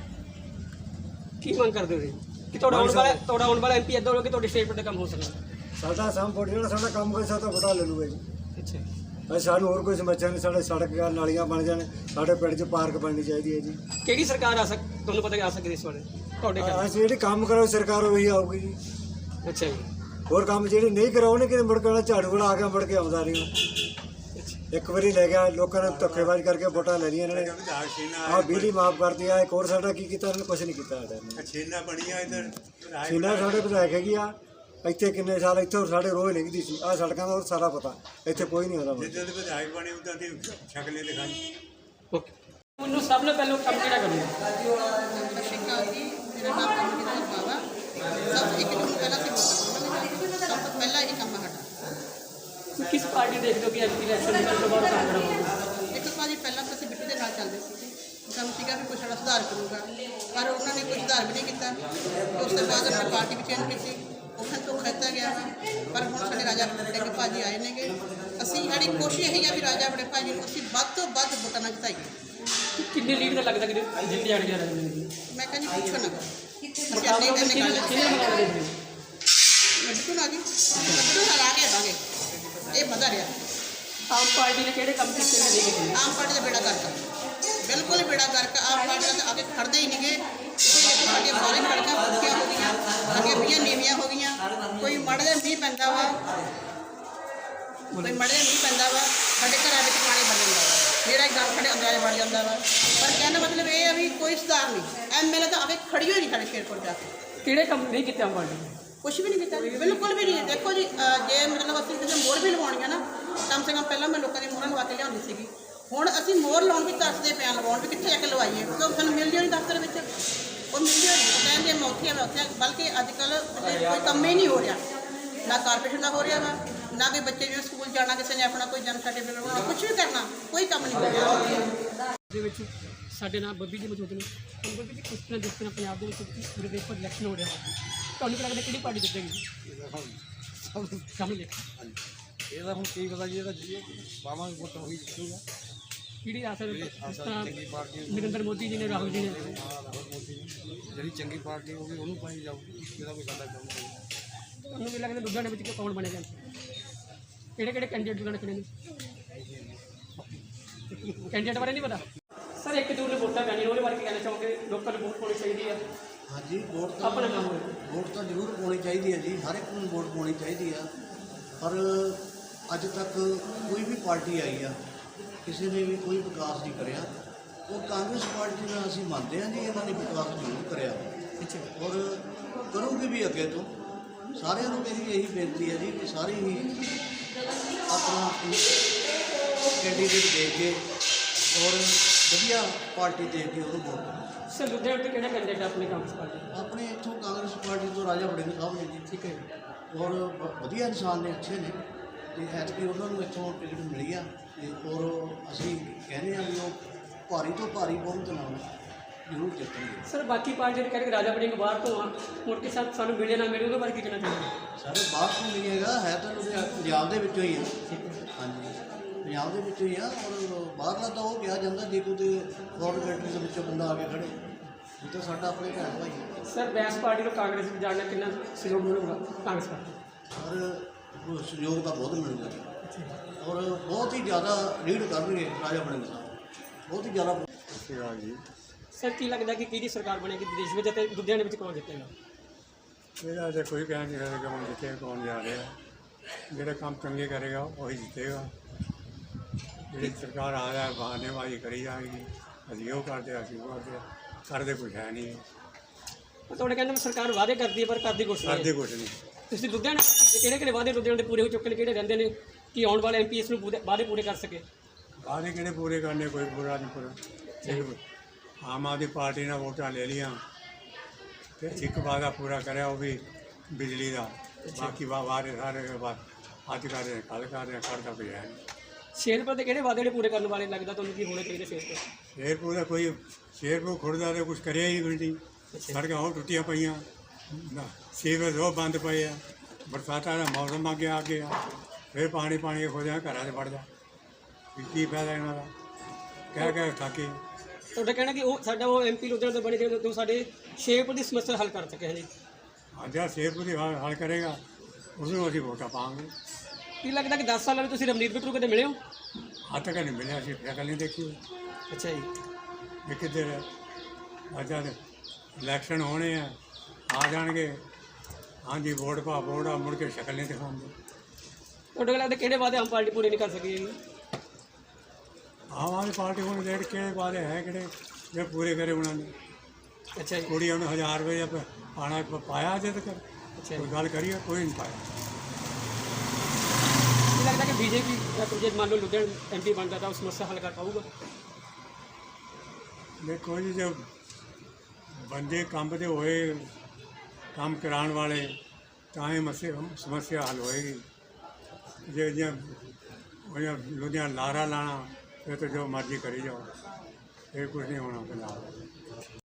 S2: ਕੀ ਮੰਗ ਕਰਦੇ ਹੋ ਜੀ ਕਿ ਤੁਹਾਡਾ ਆਉਣ ਵਾਲਾ ਤੁਹਾਡਾ ਆਉਣ ਵਾਲਾ ਐਮਪੀ ਇੱਦਾਂ ਹੋਵੇ ਕਿ ਤੁਹਾਡੇ ਸ਼ੇਰਪੁਰ ਦਾ ਕੰਮ ਹੋ ਸਕੇ?
S13: ਸਾਡਾ ਸਾਮ ਵੋਟ ਜਿਹੜਾ ਸਾਡਾ ਕੰਮ ਕੋਈ ਸਾਡਾ ਵੋਟਾਂ ਲੈ ਲੂਗਾ ਜੀ।
S2: ਅੱਛਾ
S13: ਅਸੀਂ ਸਾਨੂੰ ਹੋਰ ਕੋਈ ਸਮੱਸਿਆ ਨਹੀਂ, ਸਾਡੇ ਸੜਕ ਨਾਲੀਆਂ ਬਣ ਜਾਣ, ਸਾਡੇ ਪਿੰਡ 'ਚ ਪਾਰਕ ਬਣਨੀ ਚਾਹੀਦੀ ਹੈ ਜੀ।
S2: ਕਿਹੜੀ ਸਰਕਾਰ ਆ ਸਕ ਤੁਹਾਨੂੰ ਪਤਾ ਕਿ ਆ ਸਕਦੀ ਇਸ ਵਾਰ ਤੁਹਾਡੇ ਘਰ?
S13: ਅਸੀਂ ਜਿਹੜੀ ਕੰਮ ਕਰੋ ਸਰਕਾਰ ਉਹੀ ਆਊਗੀ ਜੀ।
S2: ਅੱਛਾ ਜੀ।
S13: ਹੋਰ ਕੰਮ ਜਿਹੜੇ ਨਹੀਂ ਕਰਾਉਣੇ ਕਿ ਮੁੜ ਕੇ ਝਾੜੂ ਵਾਲਾ ਆ ਕੇ ਮੁੜ ਕੇ ਆਉਂਦਾ ਨਹੀਂ। ਇੱਕ ਵਾਰੀ ਲੈ ਗਿਆ, ਲੋਕਾਂ ਨੇ ਧੱਕੇਬਾਜ਼ੀ ਕਰਕੇ ਵੋਟਾਂ ਲੈ ਲਈਆਂ ਇਹਨਾਂ ਨੇ। ਆਹ ਬਿਜਲੀ ਮਾਫ ਕਰਦੀ ਆ, ਇੱਕ ਹੋਰ ਸਾਡਾ ਕੀ ਕੀਤਾ ਇਹਨਾਂ ਨੇ? ਕੁਛ ਨਹੀਂ ਕੀਤਾ ਸਾਡਾ। ਛੀਨਾ ਬਣੀਆਂ ਇੱਧਰ, ਛੀਨਾ ਸਾਡੇ ਵਿਧਾਇਕ ਹੈਗੀ ਆ ਇੱਥੇ ਕਿੰਨੇ ਸਾਲ ਇੱਥੇ ਸਾਡੇ ਰੋਜ਼ ਨਿਕਦੀ ਸੀ। ਆਹ ਸੜਕਾਂ ਦਾ ਸਾਰਾ ਪਤਾ, ਇੱਥੇ ਕੋਈ ਨਹੀਂ ਆਉਂਦਾ।
S14: ਜਿੱਦਾਂ ਦੇ ਵਿਧਾਇਕ ਬਣੇ ਉਦਾਂ ਦੀ ਸ਼ਕਲੇ ਦਿਖਾਈ।
S2: ਓਕੇ ਮੈਨੂੰ ਸਭ ਤੋਂ ਪਹਿਲਾਂ ਕੰਮ ਕਿਹੜਾ ਕਰਨਾ?
S15: ਸਤਿ ਸ਼੍ਰੀ ਅਕਾਲ ਜੀ, ਮੇਰਾ ਨਾਮ ਕਮਲਜੀਤ ਬਾਵਾ। ਸਭ ਇੱਕ ਜੂਨ ਪਹਿਲਾਂ ਸੀ ਵੋਟਾਂ, ਸਭ ਤੋਂ ਪਹਿਲਾਂ ਇਹ ਕੰਮ ਹੈ ਸਾਡਾ।
S2: ਕਿਸ ਪਾਰਟੀ ਦੇਖਦੇ ਹੋ ਕਿ ਐਮਪੀ ਇਲੈਕਸ਼ਨ ਦੇ ਤੋਂ ਬਾਅਦ ਕੰਮ ਕਰਾਂਗੇ?
S15: ਇੱਕ ਭਾਜੀ ਪਹਿਲਾਂ ਤਾਂ ਅਸੀਂ ਬਿੱਟੂ ਦੇ ਨਾਲ ਚੱਲਦੇ ਸੀਗੇ, ਸਾਨੂੰ ਸੀਗਾ ਵੀ ਕੋਈ ਸਾਡਾ ਸੁਧਾਰ ਕਰੂਗਾ, ਪਰ ਉਹਨਾਂ ਨੇ ਕੋਈ ਸੁਧਾਰ ਵੀ ਨਹੀਂ ਕੀਤਾ। ਉਸ ਤੋਂ ਬਾਅਦ ਉਹਨਾਂ ਨੇ ਪਾਰਟੀ ਵੀ ਚੇਂਜ ਕੀਤੀ, ਉਹਨਾਂ ਤੋਂ ਖਿੱਤਾ ਗਿਆ ਵਾ। ਪਰ ਹੁਣ ਸਾਡੇ ਰਾਜਾ ਵੜਿੰਗ ਭਾਜੀ ਆਏ ਨੇਗੇ। ਅਸੀਂ ਸਾਡੀ ਕੋਸ਼ਿਸ਼ ਇਹੀ ਆ ਵੀ ਰਾਜਾ ਵੜਿੰਗ ਭਾਜੀ ਨੂੰ ਅਸੀਂ ਵੱਧ ਤੋਂ ਵੱਧ ਵੋਟਾਂ ਨਾਲ ਜਿਤਾਈਏ।
S2: ਕਿੰਨੀ ਲੀਡ ਦਾ ਲੱਗਦਾ ਕਿ ਜਿੱਤ ਜਾਣਗੇ ਰਾਜਾ?
S15: ਮੈਂ ਕਹਿੰਦੀ ਪੁੱਛੋ ਨਾ ਕਰੋ।
S2: ਮੁਕਾਬਲਾ ਕਿਹਨੇ ਕਿਹਨੇ ਮੁਕਾਬਲਾ ਦੇਖਦੇ?
S15: ਬਿੱਟੂ ਨਾਲ ਜੀ, ਬਿੱਟੂ ਨਾਲ ਆ ਕੇ ਆਵਾਂਗੇ, ਇਹ ਮਜ਼ਾ ਰਿਹਾ।
S2: ਆਮ ਪਾਰਟੀ ਨੇ ਕਿਹੜੇ ਕੰਮ ਕੀਤੇ ਨੇ ਨਹੀਂ ਕੀਤੇ?
S15: ਆਮ ਪਾਰਟੀ ਦਾ ਬੇੜਾ ਕਰਤਾ, ਬਿਲਕੁਲ ਬੇੜਾ ਕਰਕੇ ਆਮ ਪਾਰਟੀ ਦਾ ਆ ਕੇ ਖੜਦੇ ਹੀ ਨਹੀਂਗੇ। ਸਾਡੀਆਂ ਸਾਰੀਆਂ ਸੜਕਾਂ ਪੱਕੀਆਂ ਹੋ ਗਈਆਂ, ਸਾਡੀਆਂ ਮੀਂਹਾਂ ਨੀਵੀਆਂ ਹੋ ਗਈਆਂ। ਕੋਈ ਮਾੜਾ ਜਿਹਾ ਮੀਂਹ ਪੈਂਦਾ ਵਾ, ਕੋਈ ਮਾੜਾ ਜਿਹਾ ਮੀਂਹ ਪੈਂਦਾ ਵਾ, ਸਾਡੇ ਘਰਾਂ ਵਿੱਚ ਪਾਣੀ ਭਰ ਜਾਂਦਾ ਵਾ, ਮੇਰਾ ਇੱਕ ਗੱਲ ਸਾਡੇ ਅੰਦਰਾਂ ਵੜ ਜਾਂਦਾ ਵਾ। ਪਰ ਕਹਿਣ ਦਾ ਮਤਲਬ ਇਹ ਆ ਵੀ ਕੋਈ ਸੁਧਾਰ ਨਹੀਂ। ਐਮਐਲਏ ਤਾਂ ਆ ਕੇ ਖੜੀ ਹੋਈ ਨਹੀਂ ਸਾਡੇ ਸ਼ੇਰਪੁਰ ਜਾ ਕੇ।
S2: ਕਿਹੜੇ ਕੰਮ ਨਹੀਂ ਕੀਤੇ ਆਮ ਪਾਰਟੀ ਨੇ?
S15: ਕੁਛ ਵੀ ਨਹੀਂ ਕੀਤਾ, ਬਿਲਕੁਲ ਵੀ ਨਹੀਂ। ਦੇਖੋ ਜੀ, ਅਹ ਜੇ ਮਤਲਬ ਅਸੀਂ ਕਿਸੇ ਮੋਹਰ ਵੀ ਲਵਾਉਣੀਆਂ ਨਾ, ਕਮ ਸੇ ਕਮ ਪਹਿਲਾਂ ਮੈਂ ਲੋਕਾਂ ਦੀ ਮੋਹਰਾਂ ਲਵਾ ਕੇ ਲਿਆਉਂਦੀ ਸੀਗੀ। ਹੁਣ ਅਸੀਂ ਮੋਹਰ ਲਾਉਣ ਵੀ ਤਰਸਦੇ ਪਿਆ, ਲਵਾਉਣ ਵੀ ਕਿੱਥੇ ਜਾ ਕੇ ਲਵਾਈਏ, ਕਿਉਂਕਿ ਸਾਨੂੰ ਮਿਲਦੀ ਨਹੀਂ ਦਫ਼ਤਰ ਵਿੱਚ। ਉਹ ਮਿਲਦੀ ਹੋਈ ਕਹਿੰਦੇ ਮੈਂ ਉੱਥੇ ਆ ਮੈਂ ਉੱਥੇ, ਬਲਕਿ ਅੱਜ ਕੱਲ੍ਹ ਕੋਈ ਕੰਮ ਹੀ ਨਹੀਂ ਹੋ ਰਿਹਾ, ਨਾ ਕਾਰਪੋਰੇਸ਼ਨ ਦਾ ਹੋ ਰਿਹਾ ਵਾ, ਨਾ ਕੋਈ ਬੱਚੇ ਜਿਵੇਂ ਸਕੂਲ ਜਾਣਾ, ਕਿਸੇ ਨੇ ਆਪਣਾ ਕੋਈ ਜਨਮ ਸਰਟੀਫਿਕੇਟ ਬਣਾਉਣਾ, ਕੁਛ ਵੀ ਕਰਨਾ, ਕੋਈ ਕੰਮ ਨਹੀਂ ਹੋ ਰਿਹਾ।
S2: ਦੇ ਵਿੱਚ ਸਾਡੇ ਨਾਲ ਬੱਬੀ ਜੀ ਮੌਜੂਦ ਨੇ। ਹੁਣ ਬੱਬੀ ਜੀ ਕਿਸ ਤਰ੍ਹਾਂ ਜਿਸ ਤਰ੍ਹਾਂ ਪੰਜਾਬ ਦੇ ਵਿੱਚ ਪੂਰੇ ਦੇਸ਼ ਭਰ ਇਲੈਕਸ਼ਨ ਹੋ ਰਿਹਾ ਵਾ, ਤੁਹਾਨੂੰ ਕੀ ਲੱਗਦਾ ਕਿਹੜੀ ਪਾਰਟੀ ਜਿੱਤੇਗੀ? ਸਮਝ ਲਿਆ
S10: ਇਹਦਾ ਹੁਣ ਕੀ ਪਤਾ ਜੀ, ਇਹਦਾ ਪਾਵਾਂਗੇ ਵੋਟ ਉਹੀ ਜਿੱਤੂਗਾ।
S2: ਕਿਹੜੀ ਆਸਾ ਜਿਸ ਤਰ੍ਹਾਂ ਨਰਿੰਦਰ ਮੋਦੀ ਜੀ ਨੇ, ਰਾਹੁਲ ਜੀ ਨੇ?
S10: ਜਿਹੜੀ ਚੰਗੀ ਪਾਰਟੀ ਹੋਊਗੀ ਉਹਨੂੰ ਪਾਈ ਜਾਊਗੀ, ਇਹਦਾ ਕੋਈ ਸਾਡਾ ਕੰਮ ਨਹੀਂ।
S2: ਤੁਹਾਨੂੰ ਕੀ ਲੱਗਦਾ ਲੁਧਿਆਣੇ ਵਿੱਚ ਕੌਣ ਬਣੇਗਾ? ਕਿਹੜੇ ਕਿਹੜੇ ਕੈਂਡੀਡੇਟ ਲੁਧਿਆਣੇ ਖੜੇ ਨੇ? ਕੈਂਡੀਡੇਟ ਬਾਰੇ ਨਹੀਂ ਪਤਾ ਸਰ। ਇੱਕ ਦੂਰ ਨੂੰ ਵੋਟਾਂ ਪੈਣੀਆਂ, ਉਹਦੇ ਬਾਰੇ ਕੀ ਕਹਿਣਾ ਚਾਹੋਗੇ? ਲੋਕਾਂ ਨੂੰ ਵੋਟ ਪਾਉਣੀ ਚਾਹੀਦੀ ਹੈ?
S16: ਹਾਂਜੀ, ਵੋਟ ਤਾਂ
S2: ਆਪਣਾ ਕੰਮ ਹੋਵੇ,
S16: ਵੋਟ ਤਾਂ ਜ਼ਰੂਰ ਪਾਉਣੀ ਚਾਹੀਦੀ ਹੈ ਜੀ, ਹਰ ਇੱਕ ਨੂੰ ਵੋਟ ਪਾਉਣੀ ਚਾਹੀਦੀ ਆ। ਪਰ ਅੱਜ ਤੱਕ ਕੋਈ ਵੀ ਪਾਰਟੀ ਆਈ ਆ, ਕਿਸੇ ਨੇ ਵੀ ਕੋਈ ਵਿਕਾਸ ਨਹੀਂ ਕਰਿਆ। ਉਹ ਕਾਂਗਰਸ ਪਾਰਟੀ ਨਾਲ ਅਸੀਂ ਮੰਨਦੇ ਹਾਂ ਜੀ, ਇਹਨਾਂ ਨੇ ਵਿਕਾਸ ਜ਼ਰੂਰ ਕਰਿਆ ਔਰ ਕਰੂਗੀ ਵੀ ਅੱਗੇ ਤੋਂ। ਸਾਰਿਆਂ ਨੂੰ ਮੇਰੀ ਇਹੀ ਬੇਨਤੀ ਹੈ ਜੀ ਕਿ ਸਾਰੇ ਹੀ ਆਪਣਾ ਕੈਂਡੀਡੇਟ ਦੇਖ ਕੇ ਔਰ ਵਧੀਆ ਪਾਰਟੀ ਦੇਖ ਕੇ ਉਹਨੂੰ ਵੋਟ ਕਰੋ।
S2: ਸਰ ਲੁਧਿਆਣੇ ਤੋਂ ਕਿਹੜਾ ਕੈਂਡੀਡੇਟ ਆਪਣੇ ਕਾਂਗਰਸ ਪਾਰਟੀ?
S16: ਆਪਣੇ ਇੱਥੋਂ ਕਾਂਗਰਸ ਪਾਰਟੀ ਤੋਂ ਰਾਜਾ ਵੜਿੰਗ ਸਾਹਿਬ ਨੇ ਜੀ।
S2: ਠੀਕ ਹੈ
S16: ਔਰ ਵ- ਵਧੀਆ ਇਨਸਾਨ ਨੇ, ਅੱਛੇ ਨੇ, ਅਤੇ ਐਤਕੀ ਉਹਨਾਂ ਨੂੰ ਇੱਥੋਂ ਟਿਕਟ ਮਿਲੀ ਆ। ਅਤੇ ਔਰ ਅਸੀਂ ਕਹਿੰਦੇ ਹਾਂ ਵੀ ਉਹ ਭਾਰੀ ਤੋਂ ਭਾਰੀ ਬਹੁਮਤ ਨਾਲ ਜ਼ਰੂਰ ਜਿੱਤਣਗੇ।
S2: ਸਰ ਬਾਕੀ ਪਾਰਟੀ ਨੇ ਕਹਿੰਦੇ ਰਾਜਾ ਵੜਿੰਗ ਬਾਹਰ ਤੋਂ ਆ, ਮੁੜ ਕੇ ਸਾ- ਸਾਨੂੰ ਮਿਲੇ ਨਾ ਮਿਲੇ, ਉਹਦੇ ਬਾਰੇ ਕੀ ਕਹਿਣਾ ਚਾਹੁੰਦੇ?
S16: ਸਾਰੇ ਬਾਹਰ ਤੋਂ ਨਹੀਂ ਹੈਗਾ, ਹੈ ਤਾਂ ਲੁਧਿਆਣਾ ਪੰਜਾਬ ਦੇ ਵਿੱਚੋਂ ਹੀ ਆ। ਹਾਂਜੀ, ਪੰਜਾਬ ਦੇ ਵਿੱਚੋਂ ਹੀ ਆ। ਔਰ ਬਾਹਰਲਾ ਤਾਂ ਉਹ ਕਿਹਾ ਜਾਂਦਾ ਜੇ ਕੋਈ ਫੋਰਨ ਕੰਟਰੀ ਦੇ ਵਿੱਚੋਂ ਬੰਦਾ ਆ ਕੇ ਖੜੇ, ਇਹ ਤਾਂ ਸਾਡਾ ਆਪਣੇ ਭੈਣ ਭਾਈ ਹੈ।
S2: ਸਰ ਬੈਂਸ ਪਾਰਟੀ ਨੂੰ ਕਾਂਗਰਸ ਵਿੱਚ ਜਾਣਾ ਕਿੰਨਾ ਸਹਿਯੋਗ ਮਿਲੂਗਾ ਕਾਂਗਰਸ ਪਾਰਟੀ?
S16: ਔਰ ਉਹ ਸਹਿਯੋਗ ਤਾਂ ਬਹੁਤ ਮਿਲੂਗਾ ਜੀ, ਔਰ ਬਹੁਤ ਹੀ ਜ਼ਿਆਦਾ ਲੀਡ ਕਰਨਗੇ ਰਾਜਾ ਵੜਿੰਗ ਸਾਹਿਬ, ਬਹੁਤ ਹੀ ਜ਼ਿਆਦਾ।
S13: ਜੀ
S2: ਸਰ ਕੀ ਲੱਗਦਾ ਕਿ ਕਿਹਦੀ ਸਰਕਾਰ ਬਣੇਗੀ ਦੇਸ਼ ਵਿੱਚ ਅਤੇ ਲੁਧਿਆਣੇ ਵਿੱਚ ਕੌਣ ਜਿੱਤੇਗਾ?
S13: ਇਹਦਾ ਤਾਂ ਕੋਈ ਕਹਿ ਨਹੀਂ ਸਕਦਾ ਕੌਣ ਜਿੱਤੇ ਕੌਣ ਜਾ ਰਿਹਾ। ਜਿਹੜਾ ਕੰਮ ਚੰਗੇ ਕਰੇਗਾ ਉਹੀ ਜਿੱਤੇਗਾ। ਜਿਹੜੀ ਸਰਕਾਰ ਆ ਰਿਹਾ ਬਹਾਨੇਬਾਜ਼ੀ ਕਰੀ ਜਾਏਗੀ, ਅਸੀਂ ਉਹ ਕਰਦੇ ਅਸੀਂ ਉਹ ਕਰਦੇ ਕਰਦੇ ਕੁਛ ਹੈ ਨਹੀਂ।
S2: ਤੁਹਾਡੇ ਕਹਿੰਦੇ ਸਰਕਾਰ ਵਾਅਦੇ ਕਰਦੀ ਹੈ ਪਰ ਕਰਦੀ ਕੁਛ ਨਹੀਂ।
S13: ਕਰਦੇ ਕੁਛ ਨਹੀਂ।
S2: ਤੁਸੀਂ ਲੁਧਿਆਣਾ ਕਿਹੜੇ ਕਿਹੜੇ ਵਾਅਦੇ ਲੁਧਿਆਣੇ ਦੇ ਪੂਰੇ ਹੋ ਚੁੱਕੇ ਨੇ, ਕਿਹੜੇ ਰਹਿੰਦੇ ਨੇ ਕਿ ਆਉਣ ਵਾਲੇ ਐਮ ਪੀ ਇਸ ਨੂੰ ਪੂਰੇ ਵਾਅਦੇ ਪੂਰੇ ਕਰ ਸਕੇ?
S13: ਵਾਅਦੇ ਕਿਹੜੇ ਪੂਰੇ ਕਰਨੇ, ਕੋਈ ਪੂਰਾ ਨਹੀਂ ਪੂਰਾ। ਆਮ ਆਦਮੀ ਪਾਰਟੀ ਨੇ ਵੋਟਾਂ ਲੈ ਲਈਆਂ ਅਤੇ ਇੱਕ ਵਾਅਦਾ ਪੂਰਾ ਕਰਿਆ, ਉਹ ਵੀ ਬਿਜਲੀ ਦਾ।
S14: ਬਾਕੀ ਵਾ ਵਾਰੇ ਸਾਰੇ ਵਾ- ਅੱਜ ਕਰ ਰਹੇ ਕੱਲ ਕਰ ਰਹੇ ਕਰਦਾ ਪਿਆ ਹੈ
S2: ਸ਼ੇਰਪੁਰ ਦੇ ਕਿਹੜੇ ਵਾਅਦੇ ਜਿਹੜੇ ਪੂਰੇ ਕਰਨ ਵਾਲੇ ਲੱਗਦਾ ਤੁਹਾਨੂੰ ਕੀ ਹੋਣੇ ਚਾਹੀਦੇ ਸ਼ੇਰਪੁਰ?
S14: ਸ਼ੇਰਪੁਰ ਦਾ ਕੋਈ ਸ਼ੇਰਪੁਰ ਖੁਰਦਾ ਤੇ ਕੁਝ ਕਰਿਆ ਹੀ ਨਹੀਂ। ਸੜਕਾਂ ਉਹ ਟੁੱਟੀਆਂ ਪਈਆਂ, ਨਾ ਸੀਵਰੇਜ ਉਹ ਬੰਦ ਪਏ ਆ। ਬਰਸਾਤਾਂ ਦਾ ਮੌਸਮ ਅੱਗੇ ਆ ਗਿਆ, ਫਿਰ ਪਾਣੀ ਪਾਣੀ ਹੋ ਜਾ ਘਰਾਂ 'ਚ ਵੜ ਜਾ। ਵੀ ਕੀ ਫਾਇਦਾ ਇਹਨਾਂ ਦਾ, ਕਹਿ ਕਹਿ ਥੱਕੇ।
S2: ਤੁਹਾਡਾ ਕਹਿਣਾ ਕਿ ਉਹ ਸਾਡਾ ਉਹ ਐਮਪੀ ਲੁਧਿਆਣਾ ਤੋਂ ਬਣੇ ਜਿਹੜੇ ਜੋ ਸਾਡੇ ਸ਼ੇਰਪੁਰ ਦੀ ਸਮੱਸਿਆ ਹੱਲ ਕਰ ਸਕੇ ਜੀ।
S14: ਅੱਜ ਆ ਸ਼ੇਰਪੁਰ ਦੀ ਹੱਲ ਹੱਲ ਕਰੇਗਾ, ਉਸਨੂੰ ਅਸੀਂ ਵੋਟਾਂ ਪਾਵਾਂਗੇ।
S2: ਕੀ ਲੱਗਦਾ ਕਿ ਦਸ ਸਾਲਾਂ ਵਿੱਚ ਤੁਸੀਂ ਰਮਨੀਤ ਬਿੱਟੂ ਕਦੇ ਮਿਲੇ ਹੋ?
S14: ਅੱਜ ਤੱਕ ਨਹੀਂ ਮਿਲਿਆ, ਅਸੀਂ ਸ਼ਕਲ ਨਹੀਂ ਦੇਖੀ।
S2: ਅੱਛਾ ਜੀ।
S14: ਇਹ ਕਿੱਧਰ ਹੈ? ਅੱਜ ਇਲੈਕਸ਼ਨ ਹੋਣੇ ਆ, ਆ ਜਾਣਗੇ, ਹਾਂਜੀ ਵੋਟ ਪਾ ਵੋਟ ਆ, ਮੁੜ ਕੇ ਸ਼ਕਲ ਨਹੀਂ ਦਿਖਾਉਂਦੇ।
S2: ਤੁਹਾਡੇ ਕੋਲ ਲੱਗਦਾ ਕਿਹੜੇ ਵਾਅਦੇ ਆਮ ਪਾਰਟੀ ਪੂਰੇ ਨਹੀਂ ਕਰ ਸਕੀ ਜੀ?
S14: ਆਮ ਆਦਮੀ ਪਾਰਟੀ ਹੁਣ ਜਿਹੜੇ ਕਿਹੜੇ ਵਾਅਦੇ ਹੈ ਕਿਹੜੇ ਜਿਹੜੇ ਪੂਰੇ ਕਰੇ ਉਹਨਾਂ ਨੇ?
S2: ਅੱਛਾ ਜੀ।
S14: ਕੁੜੀਆਂ ਨੂੰ ਹਜ਼ਾਰ ਰੁਪਏ ਪ- ਪਾਣਾ ਪ- ਪਾਇਆ ਅਜੇ ਤੱਕ?
S2: ਅੱਛਾ
S14: ਕੋਈ ਗੱਲ ਕਰੀਏ, ਕੋਈ ਨਹੀਂ ਪਾਇਆ।
S2: ਕੀ ਲੱਗਦਾ ਕਿ ਬੀਜੇਪੀ ਜੇ ਮੰਨ ਲਓ ਲੁਧਿਆਣਾ ਐਮਪੀ ਬਣਦਾ ਤਾਂ ਉਹ ਸਮੱਸਿਆ ਹੱਲ ਕਰ ਪਾਊਗਾ?
S14: ਦੇਖੋ ਜੀ, ਜੇ ਬੰਦੇ ਕੰਮ ਦੇ ਹੋਏ, ਕੰਮ ਕਰਾਉਣ ਵਾਲੇ, ਤਾਂ ਹੀ ਮਸੇ ਸਮੱਸਿਆ ਹੱਲ ਹੋਏਗੀ। ਜੇ ਜੇ ਲੁਧਿਆਣਾ ਲਾਰਾ ਲਾਣਾ, ਫਿਰ ਤਾਂ ਜੋ ਮਰਜ਼ੀ ਕਰੀ ਜਾਓ, ਇਹ ਕੁਝ ਨਹੀਂ ਹੋਣਾ ਪੰਜਾਬ।